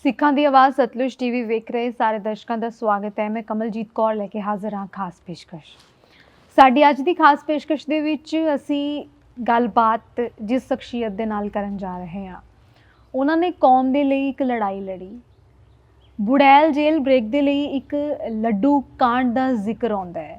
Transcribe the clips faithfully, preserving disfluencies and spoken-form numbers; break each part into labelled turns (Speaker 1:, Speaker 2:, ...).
Speaker 1: ਸਿੱਖਾਂ ਦੀ ਆਵਾਜ਼ ਸਤਲੁਜ ਟੀਵੀ ਵੇਖ ਰਹੇ ਸਾਰੇ ਦਰਸ਼ਕਾਂ ਦਾ ਸਵਾਗਤ ਹੈ। ਮੈਂ ਕਮਲਜੀਤ ਕੌਰ ਲੈ ਕੇ ਹਾਜ਼ਰ ਹਾਂ ਖਾਸ ਪੇਸ਼ਕਸ਼। ਸਾਡੀ ਅੱਜ ਦੀ ਖਾਸ ਪੇਸ਼ਕਸ਼ ਦੇ ਵਿੱਚ ਅਸੀਂ ਗੱਲਬਾਤ ਜਿਸ ਸ਼ਖਸੀਅਤ ਦੇ ਨਾਲ ਕਰਨ ਜਾ ਰਹੇ ਹਾਂ, ਉਹਨਾਂ ਨੇ ਕੌਮ ਦੇ ਲਈ ਇੱਕ ਲੜਾਈ ਲੜੀ। ਬੁੜੈਲ ਜੇਲ੍ਹ ਬ੍ਰੇਕ ਦੇ ਲਈ ਇੱਕ ਲੱਡੂ ਕਾਂਡ ਦਾ ਜ਼ਿਕਰ ਆਉਂਦਾ ਹੈ,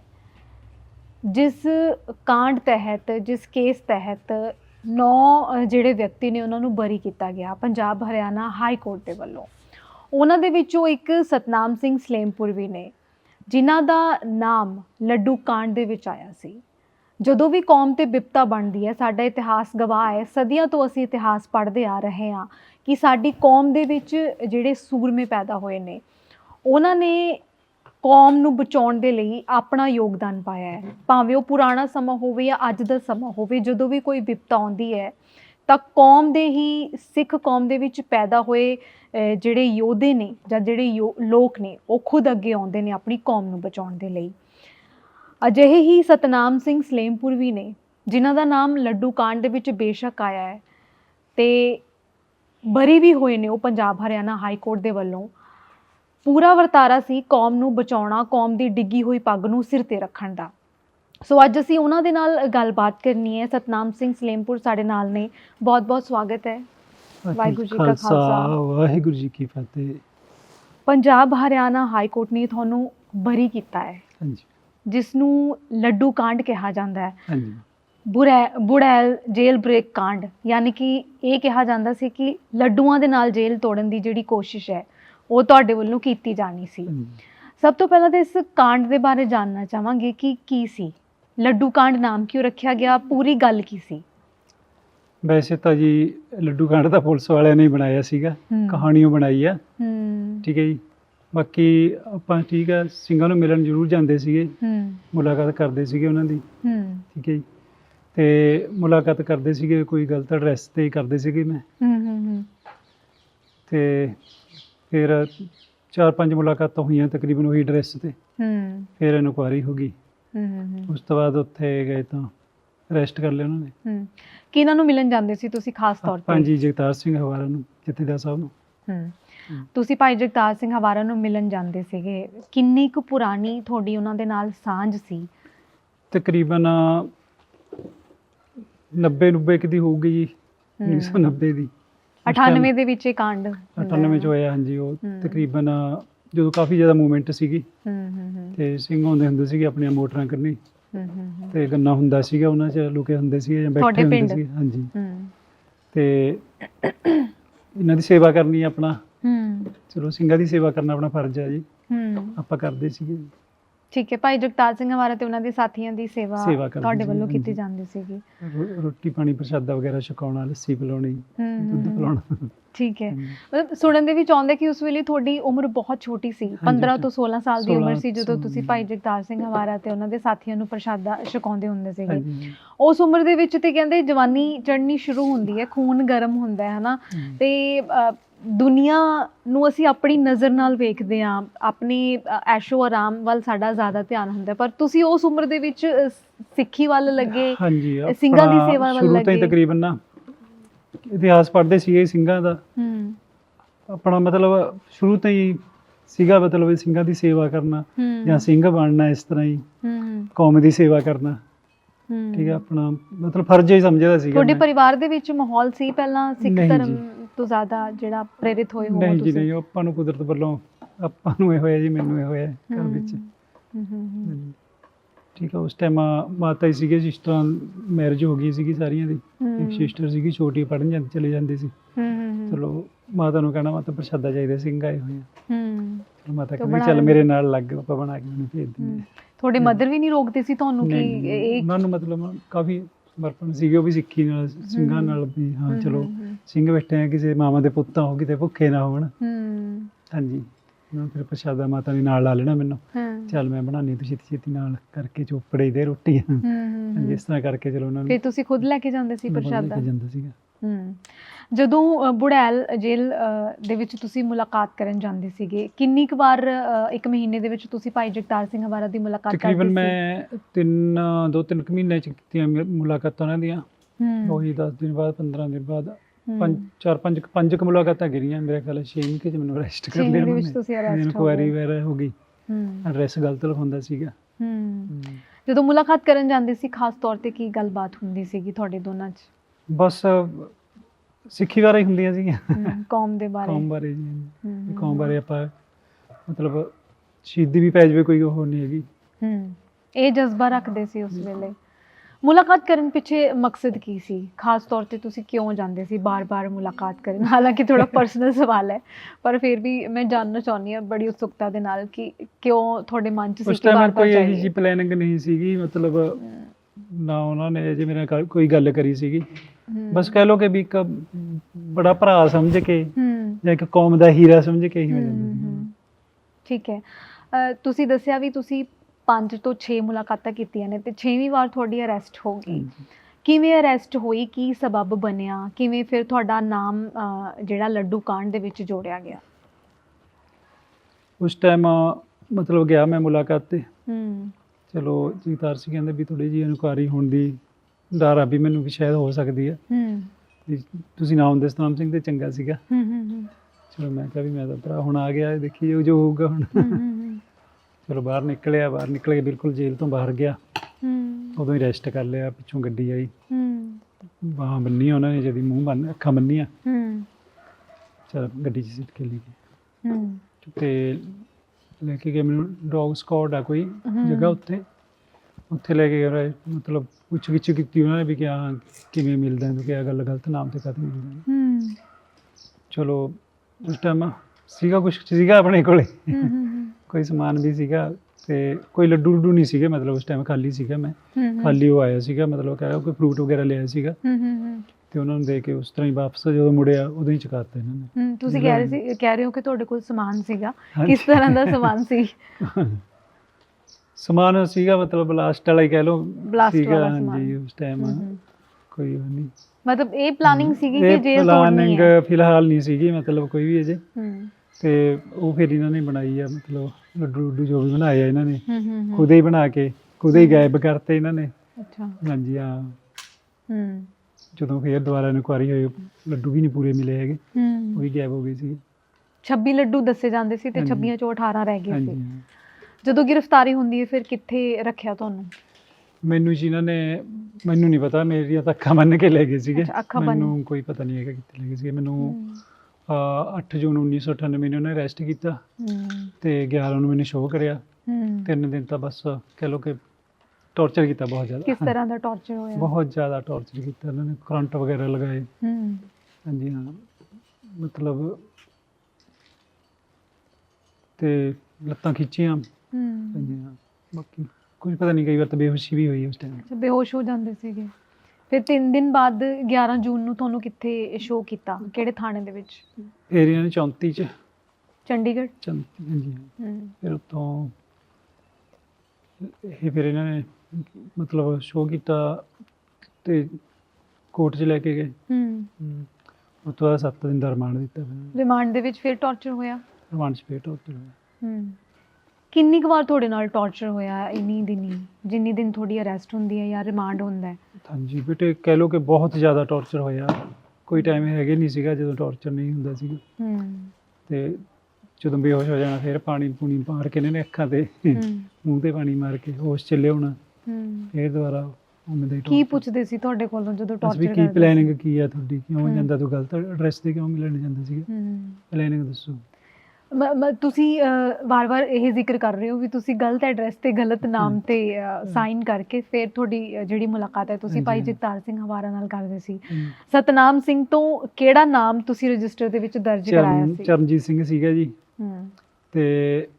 Speaker 1: ਜਿਸ ਕਾਂਡ ਤਹਿਤ ਜਿਸ ਕੇਸ ਤਹਿਤ ਨੌ ਜਿਹੜੇ ਵਿਅਕਤੀ ਨੇ ਉਹਨਾਂ ਨੂੰ ਬਰੀ ਕੀਤਾ ਗਿਆ ਪੰਜਾਬ ਹਰਿਆਣਾ ਹਾਈ ਕੋਰਟ ਦੇ ਵੱਲੋਂ। ਉਹਨਾਂ ਦੇ ਵਿੱਚੋਂ ਇੱਕ ਸਤਨਾਮ ਸਿੰਘ ਸਲੇਮਪੁਰ ਵੀ ਨੇ, ਜਿਨ੍ਹਾਂ ਦਾ ਨਾਮ ਲੱਡੂ ਕਾਂਡ ਦੇ ਵਿੱਚ ਆਇਆ ਸੀ। ਜਦੋਂ ਵੀ ਕੌਮ ਤੇ ਬਿਪਤਾ ਬਣਦੀ ਹੈ, ਸਾਡਾ ਇਤਿਹਾਸ ਗਵਾਹ ਹੈ, ਸਦੀਆਂ ਤੋਂ ਅਸੀਂ ਇਤਿਹਾਸ ਪੜ੍ਹਦੇ ਆ ਰਹੇ ਹਾਂ ਕਿ ਸਾਡੀ ਕੌਮ ਦੇ ਵਿੱਚ ਜਿਹੜੇ ਸੂਰਮੇ ਪੈਦਾ ਹੋਏ ਨੇ, ਉਹਨਾਂ ਨੇ ਕੌਮ ਨੂੰ ਬਚਾਉਣ ਦੇ ਲਈ ਆਪਣਾ ਯੋਗਦਾਨ ਪਾਇਆ ਹੈ। ਭਾਵੇਂ ਉਹ ਪੁਰਾਣਾ ਸਮਾਂ ਹੋਵੇ ਜਾਂ ਅੱਜ ਦਾ ਸਮਾਂ ਹੋਵੇ, ਜਦੋਂ ਵੀ ਕੋਈ ਵਿਪਤਾ ਆਉਂਦੀ ਹੈ ਤਾਂ ਕੌਮ ਦੇ ਹੀ ਸਿੱਖ ਕੌਮ ਦੇ ਵਿੱਚ ਪੈਦਾ ਹੋਏ ਜਿਹੜੇ ਯੋਧੇ ਨੇ ਜਾਂ ਜਿਹੜੇ ਯੋ ਲੋਕ ਨੇ ਉਹ ਖੁਦ ਅੱਗੇ ਆਉਂਦੇ ਨੇ ਆਪਣੀ ਕੌਮ ਨੂੰ ਬਚਾਉਣ ਦੇ ਲਈ। ਅਜਿਹੇ ਹੀ ਸਤਨਾਮ ਸਿੰਘ ਸਲੇਮਪੁਰ ਵੀ ਨੇ, ਜਿਨ੍ਹਾਂ ਦਾ ਨਾਮ ਲੱਡੂ ਕਾਂਡ ਦੇ ਵਿੱਚ ਬੇਸ਼ੱਕ ਆਇਆ ਹੈ ਤੇ ਬਰੀ ਵੀ ਹੋਏ ਨੇ ਉਹ ਪੰਜਾਬ ਹਰਿਆਣਾ ਹਾਈ ਕੋਰਟ ਦੇ ਵੱਲੋਂ। ਪੂਰਾ ਵਰਤਾਰਾ ਸੀ ਕੌਮ ਨੂੰ ਬਚਾਉਣਾ, ਕੌਮ ਦੀ ਡਿੱਗੀ ਹੋਈ ਪੱਗ ਨੂੰ ਸਿਰ ਤੇ ਰੱਖਣ ਦਾ। ਸੋ ਅੱਜ ਅਸੀਂ ਉਹਨਾਂ ਦੇ ਨਾਲ ਗੱਲਬਾਤ ਕਰਨੀ ਹੈ। ਸਤਨਾਮ ਸਿੰਘ ਸਲੇਮਪੁਰ ਸਾਡੇ ਨਾਲ ਨੇ, ਬਹੁਤ ਬਹੁਤ ਸਵਾਗਤ ਹੈ। ਵਾਹਿਗੁਰੂ ਜੀ ਕਾ ਖਾਲਸਾ,
Speaker 2: ਵਾਹਿਗੁਰੂ ਜੀ ਕੀ ਫਤਿਹ।
Speaker 1: ਪੰਜਾਬ ਹਰਿਆਣਾ ਹਾਈ ਕੋਰਟ ਨੇ ਤੁਹਾਨੂੰ ਬਰੀ ਕੀਤਾ ਹੈ,
Speaker 2: ਹਾਂਜੀ,
Speaker 1: ਜਿਸ ਨੂੰ ਲੱਡੂ ਕਾਂਡ ਕਿਹਾ ਜਾਂਦਾ ਹੈ।
Speaker 2: ਹਾਂਜੀ,
Speaker 1: ਬੁਰੈ ਬੁੜੈਲ ਜੇਲ੍ਹ ਬ੍ਰੇਕ ਕਾਂਡ, ਯਾਨੀ ਕਿ ਇਹ ਕਿਹਾ ਜਾਂਦਾ ਸੀ ਕਿ ਲੱਡੂਆਂ ਦੇ ਨਾਲ ਜੇਲ੍ਹ ਤੋੜਨ ਦੀ ਜਿਹੜੀ ਕੋਸ਼ਿਸ਼ ਹੈ ਉਹ ਤੁਹਾਡੇ ਵੱਲੋਂ ਕੀਤੀ ਜਾਣੀ ਸੀ। ਸਭ ਤੋਂ ਪਹਿਲਾਂ ਤਾਂ ਇਸ ਕਾਂਡ ਦੇ ਬਾਰੇ ਜਾਣਨਾ ਚਾਹਾਂਗੇ ਕਿ ਕੀ ਸੀ ਲੱਡੂ ਕਾਂਡ, ਨਾਮ ਕਿਉਂ ਰੱਖਿਆ ਗਿਆ, ਪੂਰੀ ਗੱਲ ਕੀ ਸੀ?
Speaker 2: ਵੈਸੇ ਤਾਂ ਜੀ ਲੱਡੂ ਕਾਂਡ ਤਾਂ ਪੁਲਿਸ ਵਾਲਿਆਂ ਨੇ ਹੀ ਬਣਾਇਆ ਸੀਗਾ, ਕਹਾਣੀਓ ਬਣਾਈ ਆ, ਠੀਕ ਹੈ ਜੀ। ਬਾਕੀ ਆਪਾਂ ਠੀਕ ਆ ਸਿੰਘਾਂ ਨੂੰ ਮਿਲਣ ਜ਼ਰੂਰ ਜਾਂਦੇ ਸੀਗੇ, ਮੁਲਾਕਾਤ ਕਰਦੇ ਸੀਗੇ ਉਹਨਾਂ ਦੀ, ਠੀਕ ਹੈ ਜੀ। ਤੇ ਮੁਲਾਕਾਤ ਕਰਦੇ ਸੀਗੇ, ਕੋਈ ਗਲਤ ਐਡਰੈਸ ਤੇ ਕਰਦੇ ਸੀਗੇ ਮੈਂ, ਤੇ ਫਿਰ ਚਾਰ ਪੰਜ ਮੁਲਾਕਾਤਾਂ ਹੋਈਆਂ ਤਕਰੀਬਨ ਉਹੀ ਐਡਰੈਸ ਤੇ। ਫਿਰ ਇਨਕੁਆਇਰੀ ਹੋ ਗਈ, ਉਸ ਤੋਂ ਬਾਅਦ ਉੱਥੇ ਗਏ ਤਾਂ ਅਰੈਸਟ ਕਰ ਲਿਆ ਉਹਨਾਂ ਨੇ।
Speaker 1: ਕਿਹਨਾਂ ਨੂੰ ਮਿਲਣ ਜਾਂਦੇ ਸੀ ਤੁਸੀਂ ਖਾਸ ਤੌਰ ਤੇ?
Speaker 2: ਹਾਂਜੀ, ਜਗਤਾਰ ਸਿੰਘ ਹਵਾਰਾ ਨੂੰ, ਜਥੇਦਾਰ ਸਾਹਿਬ ਨੂੰ।
Speaker 1: ਤੁਸੀਂ ਭਾਈ ਜਗਤਾਰ ਸਿੰਘ ਹਵਾਰਾ ਨੂੰ ਮਿਲਣ ਜਾਂਦੇ ਸੀਗੇ, ਕਿੰਨੀ ਕੁ ਪੁਰਾਣੀ ਤੁਹਾਡੀ ਉਹਨਾਂ ਦੇ ਨਾਲ ਸਾਂਝ ਸੀ?
Speaker 2: ਤਕਰੀਬਨ ਨੱਬੇ ਨੁੱਬੇ ਕੁ ਦੀ ਹੋਊਗੀ ਜੀ, ਉੱਨੀ ਸੌ ਨੱਬੇ ਦੀ।
Speaker 1: ਅਠਾਨਵੇਂ ਦੇ ਵਿੱਚ ਇਹ ਕਾਂਡ
Speaker 2: ਅਠਾਨਵੇਂ ਚ ਹੋਇਆ, ਹਾਂਜੀ। ਉਹ ਤਕਰੀਬਨ ਜਦੋਂ ਕਾਫੀ ਜ਼ਿਆਦਾ ਮੂਵਮੈਂਟ ਸੀਗੀ ਤੇ ਸਿੰਘ ਆਉਂਦੇ ਹੁੰਦੇ ਸੀਗੇ ਆਪਣੀਆਂ ਮੋਟਰਾਂ ਕਰਨੀ, ਤੇ ਗੰਨਾ ਹੁੰਦਾ ਸੀਗਾ ਉਹਨਾਂ ਚ ਲੁਕੇ ਹੁੰਦੇ ਸੀਗੇ ਜਾਂ ਬੈਠੇ ਹੁੰਦੇ ਸੀਗੇ, ਹਾਂਜੀ। ਤੇ ਇਹਨਾਂ ਦੀ ਸੇਵਾ ਕਰਨੀ ਆਪਣਾ, ਚਲੋ ਸਿੰਘਾਂ ਦੀ ਸੇਵਾ ਕਰਨਾ ਆਪਣਾ ਫਰਜ਼ ਹੈ ਜੀ, ਆਪਾਂ ਕਰਦੇ ਸੀਗੇ। ਠੀਕ ਹੈ,
Speaker 1: ਭਾਈ ਜਗਤਾਰ ਸਿੰਘ ਹਵਾਰਾ ਤੇ ਉਹਨਾਂ ਦੇ ਸਾਥੀਆਂ ਦੀ ਸੇਵਾ ਤੁਹਾਡੇ ਵੱਲੋਂ ਕੀਤੀ ਜਾਂਦੀ ਸੀਗੀ।
Speaker 2: ਰੋਟੀ ਪਾਣੀ ਪ੍ਰਸ਼ਾਦਾ ਵਗੈਰਾ ਛਕਾਉਣਾ, ਲੱਸੀ ਪਿਲਾਉਣੀ, ਦੁੱਧ ਪਿਲਾਉਣਾ। ਠੀਕ ਹੈ,
Speaker 1: ਮਤਲਬ ਸੁਣਨ ਦੇ ਵਿੱਚ ਆਉਂਦਾ ਕਿ ਉਸ ਵੇਲੇ ਤੁਹਾਡੀ ਉਮਰ ਬਹੁਤ ਛੋਟੀ ਸੀ, ਪੰਦਰਾਂ ਤੋਂ ਸੋਲਾਂ ਸਾਲ ਦੀ ਉਮਰ ਸੀ ਜਦੋਂ ਤੁਸੀਂ ਭਾਈ ਜਗਤਾਰ ਸਿੰਘ ਹਵਾਰਾ ਤੇ ਉਹਨਾਂ ਦੇ ਸਾਥੀਆਂ ਨੂੰ ਪ੍ਰਸ਼ਾਦਾ ਛਕਾਉਂਦੇ ਹੁੰਦੇ ਸੀਗੇ। ਉਸ ਉਮਰ ਦੇ ਵਿੱਚ ਤੇ ਕਹਿੰਦੇ ਜਵਾਨੀ ਚੜ੍ਹਨੀ ਸ਼ੁਰੂ ਹੁੰਦੀ ਹੈ, ਖੂਨ ਗਰਮ ਹੁੰਦਾ ਹੈ ਹਨਾ, ਤੇ ਦੁਨੀਆ ਨੂੰ ਅਸੀਂ ਆਪਣੀ ਨਜ਼ਰ ਨਾਲ ਵੇਖਦੇ ਹਾਂ, ਆਪਣੀ ਐਸ਼ੋ ਆਰਾਮ ਵੱਲ ਸਾਡਾ ਜ਼ਿਆਦਾ ਧਿਆਨ ਹੁੰਦਾ, ਪਰ ਤੁਸੀਂ ਉਸ ਉਮਰ ਦੇ ਵਿੱਚ ਸਿੱਖੀ ਵੱਲ ਲੱਗੇ, ਸਿੰਘਾਂ ਦੀ ਸੇਵਾ ਵੱਲ ਲੱਗੇ।
Speaker 2: ਤਕਰੀਬਨ ਨਾ ਇਤਿਹਾਸ ਪੜ੍ਹਦੇ ਸੀਗੇ ਸਿੰਘਾਂ ਦਾ, ਆਪਣਾ ਮਤਲਬ ਸ਼ੁਰੂ ਤੋਂ ਹੀ ਸੀਗਾ, ਮਤਲਬ ਸਿੰਘਾਂ ਦੀ ਸੇਵਾ ਕਰਨਾ ਜਾਂ ਸਿੰਘ ਬਣਨਾ, ਇਸ ਤਰ੍ਹਾਂ ਹੀ ਕੌਮ ਦੀ ਸੇਵਾ ਕਰਨਾ, ਠੀਕ ਹੈ। ਆਪਣਾ ਮਤਲਬ ਫਰਜ਼ ਹੀ ਸਮਝਦਾ ਸੀਗਾ।
Speaker 1: ਤੁਹਾਡੇ ਪਰਿਵਾਰ ਦੇ ਵਿੱਚ ਮਾਹੌਲ ਸੀ ਪਹਿਲਾਂ ਸਿੱਖ ਧਰਮ ਤੋਂ ਜ਼ਿਆਦਾ ਜਿਹੜਾ ਪ੍ਰੇਰਿਤ ਹੋਏ ਹੋ?
Speaker 2: ਨਹੀਂ ਜੀ, ਨਹੀਂ, ਆਪਾਂ ਨੂੰ ਕੁਦਰਤ ਵੱਲੋਂ ਆਪਾਂ ਨੂੰ ਇਹ ਹੋਇਆ ਜੀ, ਮੈਨੂੰ ਇਹ ਹੋਇਆ ਘਰ ਵਿੱਚ, ਠੀਕ ਹੈ। ਉਸ ਟਾਈਮ ਮਾਤਾ ਜੀ ਸੀਗੇ, ਸਿਸਟਰਾਂ ਮੈਰਿਜ ਹੋ ਗਈ ਸੀਗੀ ਸਾਰੀਆਂ ਦੀ, ਇੱਕ ਸਿਸਟਰ ਸੀਗੀ ਛੋਟੀ, ਪੜ੍ਹਨ ਜਾਂਦੀ ਚਲੇ ਜਾਂਦੀ ਸੀ। ਚਲੋ ਮਾਤਾ ਨੂੰ ਕਹਿਣਾ ਮਾਤਾ ਪ੍ਰਸ਼ਾਦਾ ਚਾਹੀਦਾ, ਸਿੰਘ ਆਏ ਹੋਏ ਆ, ਮਾਤਾ ਕਹਿੰਦੀ ਚੱਲ ਮੇਰੇ ਨਾਲ ਲੱਗ, ਆਪਾਂ ਬਣਾ ਕੇ ਮੈਨੂੰ ਭੇਜ ਦਿੰਦੇ।
Speaker 1: ਤੁਹਾਡੇ ਮਦਰ ਵੀ ਨਹੀਂ ਰੋਕਦੇ ਸੀ ਤੁਹਾਨੂੰ ਕਿ
Speaker 2: ਉਹਨਾਂ ਨੂੰ ਮਤਲਬ ਕਾਫੀ ਸਮਰਪਣ ਸੀਗੇ ਉਹ ਵੀ ਸਿੱਖੀ ਨਾਲ, ਸਿੰਘਾਂ ਨਾਲ ਵੀ, ਹਾਂ ਚਲੋ ਸਿੰਘ ਬੈਠੇ ਆ, ਕਿਸੇ ਮਾਵਾਂ ਦੇ ਪੁੱਤਾਂ ਹੋ, ਕਿਤੇ ਭੁੱਖੇ ਨਾ ਹੋਣ, ਹਾਂਜੀ। ਫਿਰ ਪ੍ਰਸ਼ਾਦਾ ਮਾਤਾ ਨੇ ਨਾਲ ਲਾ ਲੈਣਾ ਮੈਨੂੰ, ਚੱਲ ਮੈਂ ਬਣਾਉਣੀ, ਤੂੰ ਛੇਤੀ ਛੇਤੀ ਨਾਲ ਕਰਕੇ ਚੋਪੜੇ ਦੇ ਰੋਟੀ, ਜਿਸ ਤਰ੍ਹਾਂ ਕਰਕੇ ਚਲੋ ਉਹਨਾਂ ਨੂੰ।
Speaker 1: ਫਿਰ ਤੁਸੀਂ ਖੁਦ ਲੈ ਕੇ ਜਾਂਦੇ ਸੀ ਪ੍ਰਸ਼ਾਦਾ?
Speaker 2: ਜਾਂਦਾ ਸੀਗਾ।
Speaker 1: ਜਦੋਂ ਬੁੜੈਲ ਜੇਲ੍ਹ ਦੇ ਵਿੱਚ ਤੁਸੀਂ ਮੁਲਾਕਾਤ ਕਰਨ ਜਾਂਦੇ ਸੀਗੇ, ਕਿੰਨੀ ਕੁ ਵਾਰ ਇੱਕ ਮਹੀਨੇ ਦੇ ਵਿੱਚ ਤੁਸੀਂ ਭਾਈ ਜਗਤਾਰ ਸਿੰਘ ਹਵਾਰਾ ਦੀ ਮੁਲਾਕਾਤ ਕਰਦੇ ਸੀ?
Speaker 2: ਤਕਰੀਬਨ ਮੈਂ ਤਿੰਨ ਦੋ ਤਿੰਨ ਕੁ ਮਹੀਨੇ ਚ ਕੀਤੀਆਂ ਮੁਲਾਕਾਤਾਂ ਉਹਨਾਂ ਦੀਆਂ, ਉਹੀ ਦਸ ਦਿਨ ਬਾਅਦ ਪੰਦਰਾਂ ਦਿਨ ਬਾਅਦ ਪੰਜ ਚਾਰ ਪੰਜ ਪੰਜ ਕੁ ਮੁਲਾਕਾਤਾਂ ਗਿਰੀਆਂ ਮੇਰੇ ਖਿਆਲ ਛੇਵੀਂ ਕਿ ਮੈਨੂੰ ਅਰੈਸਟ ਕਰ ਲਿਆ
Speaker 1: ਛੇਵੀਂ ਦੇ
Speaker 2: ਉਹਨਾਂ
Speaker 1: ਵਿੱਚ
Speaker 2: ਨੇ
Speaker 1: ਤੁਸੀਂ ਅਰੈਸਟ ਹੋ
Speaker 2: ਇਨਕੁਆਇਰੀ
Speaker 1: ਗਏ।
Speaker 2: ਵਗੈਰਾ ਹੋ ਗਈ,
Speaker 1: ਹੂੰ
Speaker 2: ਐਡਰੈਸ ਗਲਤ ਲਿਖਾਉਂਦਾ ਸੀਗਾ।
Speaker 1: ਹੂੰ
Speaker 2: ਹਮ,
Speaker 1: ਜਦੋਂ ਮੁਲਾਕਾਤ ਕਰਨ ਜਾਂਦੇ ਸੀ ਖਾਸ ਤੌਰ ਤੇ ਕੀ ਗੱਲਬਾਤ ਹੁੰਦੀ ਸੀਗੀ ਤੁਹਾਡੇ ਦੋਨਾਂ 'ਚ?
Speaker 2: ਬਸ ਸਿੱਖੀ ਬਾਰੇ ਹੀ ਹੁੰਦੀਆਂ ਸੀਗੀਆਂ,
Speaker 1: ਹਮ, ਕੌਮ ਦੇ ਬਾਰੇ।
Speaker 2: ਕੌਮ ਬਾਰੇ ਜੀ,
Speaker 1: ਹਮ,
Speaker 2: ਵੀ ਕੌਮ ਬਾਰੇ ਆਪਾਂ ਮਤਲਬ ਸ਼ਹੀਦੀ ਵੀ ਪੈ ਜਾਵੇ ਕੋਈ ਉਹ ਨਹੀਂ ਹੈਗੀ।
Speaker 1: ਹਮ ਇਹ ਜਜ਼ਬਾ ਰੱਖਦੇ ਸੀ ਉਸ ਵੇਲੇ। ਮੁਲਾਕਾਤ ਕਰਨ ਪਿੱਛੇ ਮਕਸਦ ਕੀ ਸੀ? ਖਾਸ ਤੌਰ ਤੇ ਤੁਸੀਂ ਕਿਉਂ ਜਾਂਦੇ ਸੀ ਬਾਰ-ਬਾਰ ਮੁਲਾਕਾਤ ਕਰਨ? ਹਾਲਾਂਕਿ ਥੋੜਾ ਪਰਸਨਲ ਸਵਾਲ ਹੈ ਪਰ ਫਿਰ ਵੀ ਮੈਂ ਜਾਣਨਾ ਚਾਹੁੰਦੀ ਹਾਂ ਬੜੀ ਉਤਸੁਕਤਾ ਦੇ ਨਾਲ ਕਿ ਕਿਉਂ ਤੁਹਾਡੇ ਮਨ 'ਚ ਸੀ
Speaker 2: ਉਸ
Speaker 1: ਕਿ
Speaker 2: ਟਾਈਮ
Speaker 1: ਬਾਰ-ਬਾਰ
Speaker 2: ਕੋਈ ਇਹੋ
Speaker 1: ਜਾਈਏ?
Speaker 2: ਜਿਹੀ ਪਲੈਨਿੰਗ ਨਹੀਂ ਸੀਗੀ, ਮਤਲਬ ਨਾ ਉਹਨਾਂ ਨੇ ਜੇ ਮੇਰੇ ਨਾਲ ਕੋਈ ਗੱਲ ਕਰੀ ਸੀਗੀ।
Speaker 1: ਹਮ,
Speaker 2: ਬਸ ਕਹਿ ਲਓ ਕਿ ਵੀ ਇੱਕ ਬੜਾ ਭਰਾ ਸਮਝ ਕੇ
Speaker 1: ਹਮ,
Speaker 2: ਜਾਂ ਇੱਕ ਕੌਮ ਦਾ ਹੀਰਾ ਸਮਝ ਕੇ ਹੀ ਹੋ
Speaker 1: ਹਮ,
Speaker 2: ਜਾਂਦਾ ਸੀ।
Speaker 1: ਹਮ, ਠੀਕ ਹੈ। ਅ, ਤੁਸੀਂ ਦੱਸਿਆ ਵੀ ਤੁਸੀਂ ਪੰਜ ਤੋਂ ਛੇ ਮੁਲਾਕਾਤਾਂ ਕੀਤੀਆਂ ਨੇ ਤੇ ਛੇਵੀਂ ਵਾਰ ਤੁਹਾਡੀ ਅਰੈਸਟ ਹੋ ਗਈ।
Speaker 2: ਹਾਂਜੀ।
Speaker 1: ਕਿਵੇਂ ਅਰੈਸਟ ਹੋਈ? ਕੀ ਸਬਬ ਬਣਿਆ? ਕਿਵੇਂ ਫਿਰ ਤੁਹਾਡਾ ਨਾਮ ਅ, ਜਿਹੜਾ ਲੱਡੂ ਕਾਂਡ ਦੇ ਵਿੱਚ ਜੋੜਿਆ ਗਿਆ?
Speaker 2: ਉਸ ਟਾਈਮ ਮਤਲਬ ਗਿਆ ਮੈਂ ਮੁਲਾਕਾਤ ਤੇ,
Speaker 1: ਹੂੰ
Speaker 2: ਚਲੋ ਜਗਤਾਰ ਸਿੰਘ ਕਹਿੰਦੇ ਵੀ ਥੋੜੀ ਜਿਹੀ ਇਨਕੁਆਇਰੀ ਹੋਣ ਦੀ ਡਰ ਆ ਵੀ ਮੈਨੂੰ ਵੀ ਸ਼ਾਇਦ ਹੋ ਸਕਦੀ ਆ,
Speaker 1: ਹੂੰ
Speaker 2: ਵੀ ਤੁਸੀਂ ਨਾਮ ਦੇ ਸਤਨਾਮ ਸਿੰਘ ਤੇ ਚੰਗਾ ਸੀਗਾ।
Speaker 1: ਹੂੰ ਹੂੰ
Speaker 2: ਚਲੋ ਮੈਂ ਕਿਹਾ ਵੀ ਮੈਂ ਤਾਂ ਭਰਾ ਹੁਣ ਆ ਗਿਆ, ਦੇਖੀ ਜਾਊ ਜੋ ਹੋਊਗਾ ਹੁਣ।
Speaker 1: ਹੂੰ
Speaker 2: ਚਲੋ ਬਾਹਰ ਨਿਕਲਿਆ, ਬਾਹਰ ਨਿਕਲ ਕੇ ਬਿਲਕੁਲ ਜੇਲ੍ਹ ਤੋਂ ਬਾਹਰ ਗਿਆ,
Speaker 1: ਹੂੰ
Speaker 2: ਉਦੋਂ ਹੀ ਅਰੈਸਟ ਕਰ ਲਿਆ। ਪਿੱਛੋਂ ਗੱਡੀ ਆਈ,
Speaker 1: ਹੂੰ
Speaker 2: ਬਾਹਾਂ ਬੰਨੀਆਂ ਉਹਨਾਂ ਨੇ, ਜਦੀ ਮੂੰਹ ਬੰਨ ਅੱਖਾਂ ਬੰਨੀਆਂ,
Speaker 1: ਹੂੰ
Speaker 2: ਚਲ ਗੱਡੀ 'ਚ ਸਿੱਟ ਕੇ ਲੈ ਗਏ
Speaker 1: ਹੂੰ
Speaker 2: ਤੇ ਲੈ ਕੇ ਗਏ ਮੈਨੂੰ ਡੌਗ ਸਕਾਡ ਆ ਕੋਈ
Speaker 1: ਹਮ।
Speaker 2: ਜਗ੍ਹਾ ਉੱਥੇ, ਉੱਥੇ ਲੈ ਕੇ ਗਏ। ਮਤਲਬ ਪੁੱਛ ਗਿੱਛ ਕੀਤੀ ਉਹਨਾਂ ਨੇ ਵੀ ਕਿ ਹਾਂ ਕਿਵੇਂ ਮਿਲਦਾ ਤੂੰ, ਕਿਹਾ ਗੱਲ ਗਲਤ ਨਾਮ ਤੇ ਕਦ ਮਿਲਦਾ।
Speaker 1: ਹੂੰ
Speaker 2: ਚਲੋ ਉਸ ਟਾਈਮ ਸੀਗਾ ਕੁਛ ਸੀਗਾ ਆਪਣੇ ਕੋਲੇ,
Speaker 1: ਹੂੰ
Speaker 2: ਕੋਈ ਸਮਾਨ ਵੀ ਸੀਗਾ ਤੇ ਕੋਈ ਲੱਡੂ ਲੱਡੂ ਨਹੀਂ ਸੀਗੇ, ਮਤਲਬ ਉਸ ਟਾਈਮ ਖਾਲੀ ਸੀਗਾ ਮੈਂ,
Speaker 1: ਹੂੰ
Speaker 2: ਖਾਲੀ ਉਹ ਆਇਆ ਸੀਗਾ, ਮਤਲਬ ਕਹਿ ਕੋਈ ਫਰੂਟ ਵਗੈਰਾ ਲਿਆ ਸੀਗਾ
Speaker 1: ਹੂੰ
Speaker 2: ਤੇ ਉਹਨਾਂ ਨੂੰ ਦੇ ਕੇ ਉਸ ਤਰ੍ਹਾਂ ਹੀ ਵਾਪਸ ਜਦੋਂ ਮੁੜਿਆ ਉਦੋਂ ਹੀ ਚੁਕਾਤਾ ਇਹਨਾਂ ਨੇ।
Speaker 1: ਹੂੰ ਤੁਸੀਂ ਕਹਿ ਰਹੇ ਸੀ ਕਹਿ ਰਹੇ ਹੋ ਕਿ ਤੁਹਾਡੇ ਕੋਲ ਸਮਾਨ ਸੀਗਾ,
Speaker 2: ਹਾਂਜੀ।
Speaker 1: ਕਿਸ ਤਰ੍ਹਾਂ ਦਾ ਸਮਾਨ ਸੀ?
Speaker 2: ਸਮਾਨ ਸੀਗਾ ਮਤਲਬ ਬਲਾਸਟ ਵਾਲਾ ਹੀ ਕਹਿ ਲਓ
Speaker 1: Blast
Speaker 2: ਸੀਗਾ,
Speaker 1: ਵਾਲਾ
Speaker 2: ਹਾਂਜੀ
Speaker 1: ਸਮਾਨ।
Speaker 2: ਉਸ ਟਾਈਮ
Speaker 1: ਹੂੰ, ਹੂੰ।
Speaker 2: ਕੋਈ ਉਹ ਨਹੀਂ,
Speaker 1: ਮਤਲਬ ਇਹ ਪਲਾਨਿੰਗ ਸੀਗੀ ਕਿ
Speaker 2: ਇਹ
Speaker 1: ਜੇਲ੍ਹ ਤੋੜਨੀ
Speaker 2: ਪਲਾਨਿੰਗ
Speaker 1: ਹੈ?
Speaker 2: ਫਿਲਹਾਲ ਨਹੀਂ ਸੀਗੀ ਮਤਲਬ ਕੋਈ ਵੀ ਅਜੇ,
Speaker 1: ਹੂੰ
Speaker 2: ਤੇ ਉਹ ਫਿਰ ਇਹਨਾਂ ਨੇ ਬਣਾਈ ਆ, ਮਤਲਬ ਲੱਡੂ ਲੱਡੂ ਜੋ ਵੀ ਬਣਾਏ ਆ ਇਹਨਾਂ ਨੇ
Speaker 1: ਹੂੰ ਹੂੰ
Speaker 2: ਖੁਦ ਹੀ ਬਣਾ ਕੇ ਖੁਦ ਹੀ ਗਾਇਬ ਕਰਤੇ ਇਹਨਾਂ ਨੇ।
Speaker 1: ਅੱਛਾ।
Speaker 2: ਹਾਂਜੀ ਹਾਂ,
Speaker 1: ਹੂੰ
Speaker 2: ਜਦੋਂ ਫਿਰ ਦੁਬਾਰਾ ਇਨਕੁਆਰੀ ਹੋਈ ਲੱਡੂ ਵੀ ਨਹੀਂ ਪੂਰੇ ਮਿਲੇ ਹੈਗੇ, ਉਹ
Speaker 1: ਹੂੰ
Speaker 2: ਵੀ ਗਾਇਬ ਹੋ ਗਏ ਸੀ।
Speaker 1: ਛੱਬੀ ਲੱਡੂ ਦੱਸੇ ਜਾਂਦੇ ਸੀ ਤੇ
Speaker 2: ਹਾਂਜੀ।
Speaker 1: ਛੱਬੀਆਂ ਚੋਂ ਅਠਾਰਾਂ ਰਹਿ ਗਏ
Speaker 2: ਹਾਂਜੀ
Speaker 1: ਸੀ।
Speaker 2: ਹਾਂ।
Speaker 1: ਜਦੋਂ ਗ੍ਰਿਫਤਾਰੀ ਹੁੰਦੀ ਹੈ ਫਿਰ ਕਿੱਥੇ ਰੱਖਿਆ ਤੁਹਾਨੂੰ?
Speaker 2: ਮੈਨੂੰ ਜੀ ਇਹਨਾਂ ਨੇ, ਮੈਨੂੰ ਨਹੀਂ ਪਤਾ, ਮੇਰੀਆਂ ਤਾਂ ਅੱਖਾਂ ਬੰਨ੍ਹ ਕੇ ਲੈ ਗਏ ਸੀਗੇ,
Speaker 1: ਅੱਛਾ, ਅੱਖਾਂ ਬੰਨ੍ਹ।
Speaker 2: ਮੈਨੂੰ ਕੋਈ ਪਤਾ ਨਹੀਂ ਹੈਗਾ ਕਿੱਥੇ ਲੈ ਗਏ ਸੀਗੇ ਮੈਨੂੰ।
Speaker 1: ਹੂੰ
Speaker 2: ਅਹ ਅੱਠ ਜੂਨ ਉੱਨੀ ਸੌ ਅਠਾਨਵੇਂ ਨੂੰ ਉਹਨੇ ਅਰੈਸਟ ਕੀਤਾ
Speaker 1: ਹੂੰ
Speaker 2: ਤੇ ਗਿਆਰਾਂ ਨੂੰ ਮੈਨੂੰ ਸ਼ੋਅ ਕਰਿਆ।
Speaker 1: ਹੂੰ
Speaker 2: ਤਿੰਨ ਦਿਨ ਤਾਂ ਬਸ ਕਹਿ ਲਓ ਕਿ ਟੌਰਚਰ ਕੀਤਾ ਬਹੁਤ ਜ਼ਿਆਦਾ।
Speaker 1: ਕਿਸ ਤਰ੍ਹਾਂ ਦਾ ਟੌਰਚਰ ਹੋਇਆ?
Speaker 2: ਬਹੁਤ ਜ਼ਿਆਦਾ ਟੌਰਚਰ ਕੀਤਾ ਉਹਨਾਂ ਨੇ, ਕਰੰਟ ਵਗੈਰਾ ਲਗਾਏ।
Speaker 1: ਹੂੰ
Speaker 2: ਹਾਂਜੀ ਹਾਂ, ਮਤਲਬ ਤੇ ਲੱਤਾਂ ਖਿੱਚੀਆਂ।
Speaker 1: ਹੂੰ
Speaker 2: ਹਾਂਜੀ ਹਾਂ, ਬਾਕੀ ਕੁਝ ਪਤਾ ਨਹੀਂ, ਕਈ ਵਾਰ ਤਾਂ ਬੇਹੋਸ਼ੀ ਵੀ ਹੋਈ ਉਸ ਟਾਈਮ।
Speaker 1: ਅੱਛਾ, ਬੇਹੋਸ਼ ਹੋ ਜਾਂਦੇ ਸੀਗੇ। ਫਿਰ ਤਿੰਨ ਦਿਨ ਬਾਅਦ ਗਿਆਰਾਂ ਜੂਨ ਨੂੰ ਤੁਹਾਨੂੰ ਕਿੱਥੇ ਸ਼ੋਅ ਕੀਤਾ? ਕਿਹੜੇ ਥਾਣੇ ਦੇ ਵਿੱਚ?
Speaker 2: ਫਿਰ ਇਹਨਾਂ ਨੇ ਚੌਂਤੀ 'ਚ
Speaker 1: ਚੰਡੀਗੜ੍ਹ?
Speaker 2: ਚੌਂਤੀ, ਹਾਂਜੀ ਹਾਂ।
Speaker 1: ਹੂੰ
Speaker 2: ਫਿਰ ਉੱਥੋਂ ਇਹ ਫਿਰ ਇਹਨਾਂ ਨੇ ਮਤਲਬ ਸ਼ੋਅ ਕੀਤਾ ਤੇ ਕੋਰਟ 'ਚ ਲੈ ਕੇ ਗਏ।
Speaker 1: ਹੂੰ
Speaker 2: ਉਸ ਤੋਂ ਬਾਅਦ ਸੱਤ ਦਿਨ ਦਾ ਰਿਮਾਂਡ ਦਿੱਤਾ ਫਿਰ।
Speaker 1: ਰਿਮਾਂਡ ਦੇ ਵਿੱਚ ਫਿਰ ਟੌਰਚਰ ਹੋਇਆ?
Speaker 2: ਰਿਮਾਂਡ 'ਚ ਫਿਰ ਟੌਰਚਰ ਹੋਇਆ।
Speaker 1: ਹੂੰ ਕਿੰਨੀ ਕੁ ਵਾਰ ਤੁਹਾਡੇ ਨਾਲ ਟੌਰਚਰ ਹੋਇਆ ਇੰਨੀ ਦਿਨੀ, ਜਿੰਨੀ ਦਿਨ ਤੁਹਾਡੀ ਅਰੈਸਟ ਹੁੰਦੀ ਹੈ ਜਾਂ ਰਿਮਾਂਡ ਹੁੰਦਾ ਹੈ?
Speaker 2: ਹਾਂਜੀ ਬੇਟੇ, ਕਹਿ ਲਓ ਕਿ ਬਹੁਤ ਜ਼ਿਆਦਾ ਟੌਰਚਰ ਹੋਇਆ। ਕੋਈ ਟਾਈਮ ਹੈਗੇ ਨਹੀਂ ਸੀਗਾ ਜਦੋਂ ਟੌਰਚਰ ਨਹੀਂ ਹੁੰਦਾ ਸੀਗਾ।
Speaker 1: ਹੂੰ
Speaker 2: ਤੇ ਜਦੋਂ ਬੇਹੋਸ਼ ਹੋ ਜਾਣਾ ਫਿਰ ਪਾਣੀ ਪੂਣੀ ਮਾਰ ਕੇ ਇਹਨਾਂ ਨੇ ਅੱਖਾਂ ਤੇ
Speaker 1: ਹੂੰ
Speaker 2: ਮੂੰਹ ਤੇ ਪਾਣੀ ਮਾਰ ਕੇ ਹੋਸ਼ 'ਚ ਲਿਆਉਣਾ,
Speaker 1: ਹੂੰ
Speaker 2: ਫਿਰ ਦੁਬਾਰਾ ਉਵੇਂ ਦਾ ਹੀ
Speaker 1: ਕੀ
Speaker 2: torture।
Speaker 1: ਪੁੱਛਦੇ ਸੀ ਤੁਹਾਡੇ ਕੋਲੋਂ ਜਦੋਂ
Speaker 2: ਬਸ ਵੀ
Speaker 1: ਟੌਰਚਰ
Speaker 2: ਕੀ
Speaker 1: ਕਰਦੇ?
Speaker 2: ਪਲੈਨਿੰਗ ਕੀ ਆ ਤੁਹਾਡੀ, ਕਿਉਂ
Speaker 1: ਹੂੰ।
Speaker 2: ਜਾਂਦਾ ਤੂੰ ਗਲਤ ਐਡਰੈਸ ਤੇ ਕਿਉਂ ਮਿਲਣ ਜਾਂਦਾ ਸੀਗਾ,
Speaker 1: ਹੂੰ
Speaker 2: ਪਲੈਨਿੰਗ ਦੱਸੋ।
Speaker 1: ਮ- ਮ- ਤੁਸੀਂ ਵਾਰ-ਵਾਰ ਇਹ ਜ਼ਿਕਰ ਕਰ ਰਹੇ ਹੋ ਵੀ ਤੁਸੀਂ ਗਲਤ ਐਡਰੈਸ ਤੇ ਗਲਤ ਨਾਮ ਤੇ ਸਾਈਨ ਕਰਕੇ ਫਿਰ ਤੁਹਾਡੀ ਅ, ਜਿਹੜੀ ਮੁਲਾਕਾਤ ਹੈ ਤੁਸੀਂ ਭਾਈ
Speaker 2: ਹਾਂਜੀ।
Speaker 1: ਜਗਤਾਰ ਸਿੰਘ ਹਵਾਰਾ ਨਾਲ ਕਰਦੇ ਸੀ।
Speaker 2: ਹੂੰ।
Speaker 1: ਸਤਨਾਮ ਸਿੰਘ ਤੋਂ ਕਿਹੜਾ ਨਾਮ ਤੁਸੀਂ ਰਜਿਸਟਰ ਦੇ ਵਿੱਚ ਦਰਜ ਕਰਾਇਆ
Speaker 2: ਚਰਨ
Speaker 1: ਸੀ?
Speaker 2: ਚਰਨਜੀਤ ਸਿੰਘ ਸੀਗਾ ਜੀ,
Speaker 1: ਹੂੰ
Speaker 2: ਤੇ